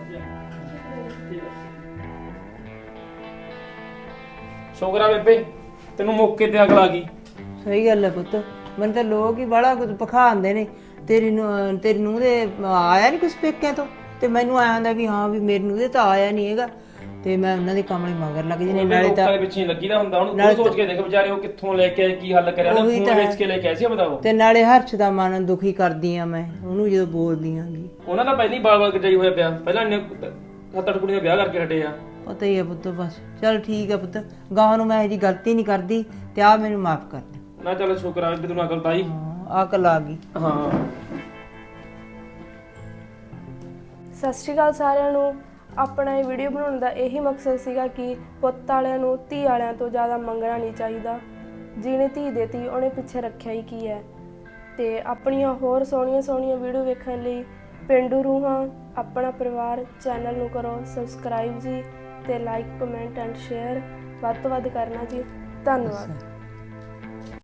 Speaker 7: ਸ਼ੁਕਰ ਆ ਬੇਬੇ, ਤੈਨੂੰ ਮੌਕੇ ਤੇ ਅਗਲ ਆ ਗਈ।
Speaker 1: ਸਹੀ ਗੱਲ ਹੈ ਪੁੱਤ, ਮੈਨੂੰ ਤਾਂ ਲੋਕ ਹੀ ਬੜਾ ਕੁਝ ਪਖਾਉਂਦੇ ਨੇ। ਤੇਰੀ ਨੂੰਹ ਦੇ ਆਇਆ ਨਹੀਂ ਕੁਛ ਪੇਕਿਆਂ ਤੋਂ, ਤੇ ਮੈਨੂੰ ਆਇਆ ਹੁੰਦਾ ਵੀ ਹਾਂ ਵੀ ਮੇਰੀ ਨੂੰਹ ਦੇ ਤਾਂ ਆਇਆ ਨਹੀਂ ਹੈਗਾ, ਤੇ ਮੈਂ ਉਹਨਾਂ ਦੇ ਕੰਮ ਲਈ ਮਗਰ ਲੱਗ ਜਾਂਦੀ ਨਾਲੇ ਤਾਂ
Speaker 7: ਲੋਕਾਂ ਦੇ ਪਿੱਛੇ ਲੱਗੀਦਾ ਹੁੰਦਾ। ਹੁਣ ਤੂੰ ਸੋਚ ਕੇ ਦੇਖ ਵਿਚਾਰੇ ਉਹ ਕਿੱਥੋਂ ਲੈ ਕੇ ਆਏ, ਕੀ ਹੱਲ ਕਰਿਆ ਉਹਨੇ, ਫੋਨ ਵੇਚ ਕੇ ਲੈ ਕੇ ਆਏ ਸੀ, ਬਤਾਓ।
Speaker 1: ਤੇ ਨਾਲੇ ਹਰਸ਼ ਦਾ ਮਨ ਦੁਖੀ ਕਰਦੀ ਆ ਮੈਂ ਉਹਨੂੰ ਜਦੋਂ ਬੋਲਦੀ ਆਂਗੀ।
Speaker 7: ਉਹਨਾਂ ਦਾ ਪਹਿਲਾਂ ਹੀ ਬਾਲ-ਬਾਲ ਕਟਾਈ ਹੋਇਆ ਪਿਆ, ਪਹਿਲਾਂ ਇੰਨੇ 7-8 ਕੁੜੀਆਂ ਦਾ ਵਿਆਹ ਕਰਕੇ ਹਟੇ ਆ।
Speaker 1: ਪਤਾ ਹੀ ਆ ਪੁੱਤ, ਬਸ ਚੱਲ ਠੀਕ ਆ ਪੁੱਤ, ਗਾਹ ਨੂੰ ਮੈਂ ਇਹਦੀ ਗਲਤੀ ਨਹੀਂ ਕਰਦੀ, ਤੇ ਆ ਮੈਨੂੰ ਮਾਫ ਕਰ ਦੇ।
Speaker 7: ਨਾ ਚੱਲ ਸ਼ੁਕਰ ਆ ਵੀ ਤੈਨੂੰ ਅਕਲ ਤਾਂ ਆਈ।
Speaker 1: ਆ ਅਕਲ ਆ ਗਈ।
Speaker 7: ਹਾਂ
Speaker 3: ਸਤਿ ਸ਼੍ਰੀ ਅਕਾਲ ਸਾਰਿਆਂ ਨੂੰ। ਆਪਣਾ ਇਹ ਵੀਡੀਓ ਬਣਾਉਣ ਦਾ ਇਹੀ ਮਕਸਦ ਸੀਗਾ ਕਿ ਪੁੱਤ ਵਾਲਿਆਂ ਨੂੰ ਧੀ ਵਾਲਿਆਂ ਤੋਂ ਜ਼ਿਆਦਾ ਮੰਗਣਾ ਨਹੀਂ ਚਾਹੀਦਾ। ਜਿਹਨੇ ਧੀ ਦੇਤੀ ਉਹਨੇ ਪਿੱਛੇ ਰੱਖਿਆ ਹੀ ਕੀ ਹੈ। ਤੇ ਆਪਣੀਆਂ ਹੋਰ ਸੋਹਣੀਆਂ ਵੀਡੀਓ ਵੇਖਣ ਲਈ ਪੇਂਡੂ ਰੂਹਾਂ ਆਪਣਾ ਪਰਿਵਾਰ ਚੈਨਲ ਨੂੰ ਕਰੋ ਸਬਸਕ੍ਰਾਈਬ ਜੀ, ਤੇ ਲਾਈਕ ਕਮੈਂਟ ਐਂਡ ਸ਼ੇਅਰ ਵੱਧ ਤੋਂ ਵੱਧ ਕਰਨਾ ਜੀ। ਧੰਨਵਾਦ।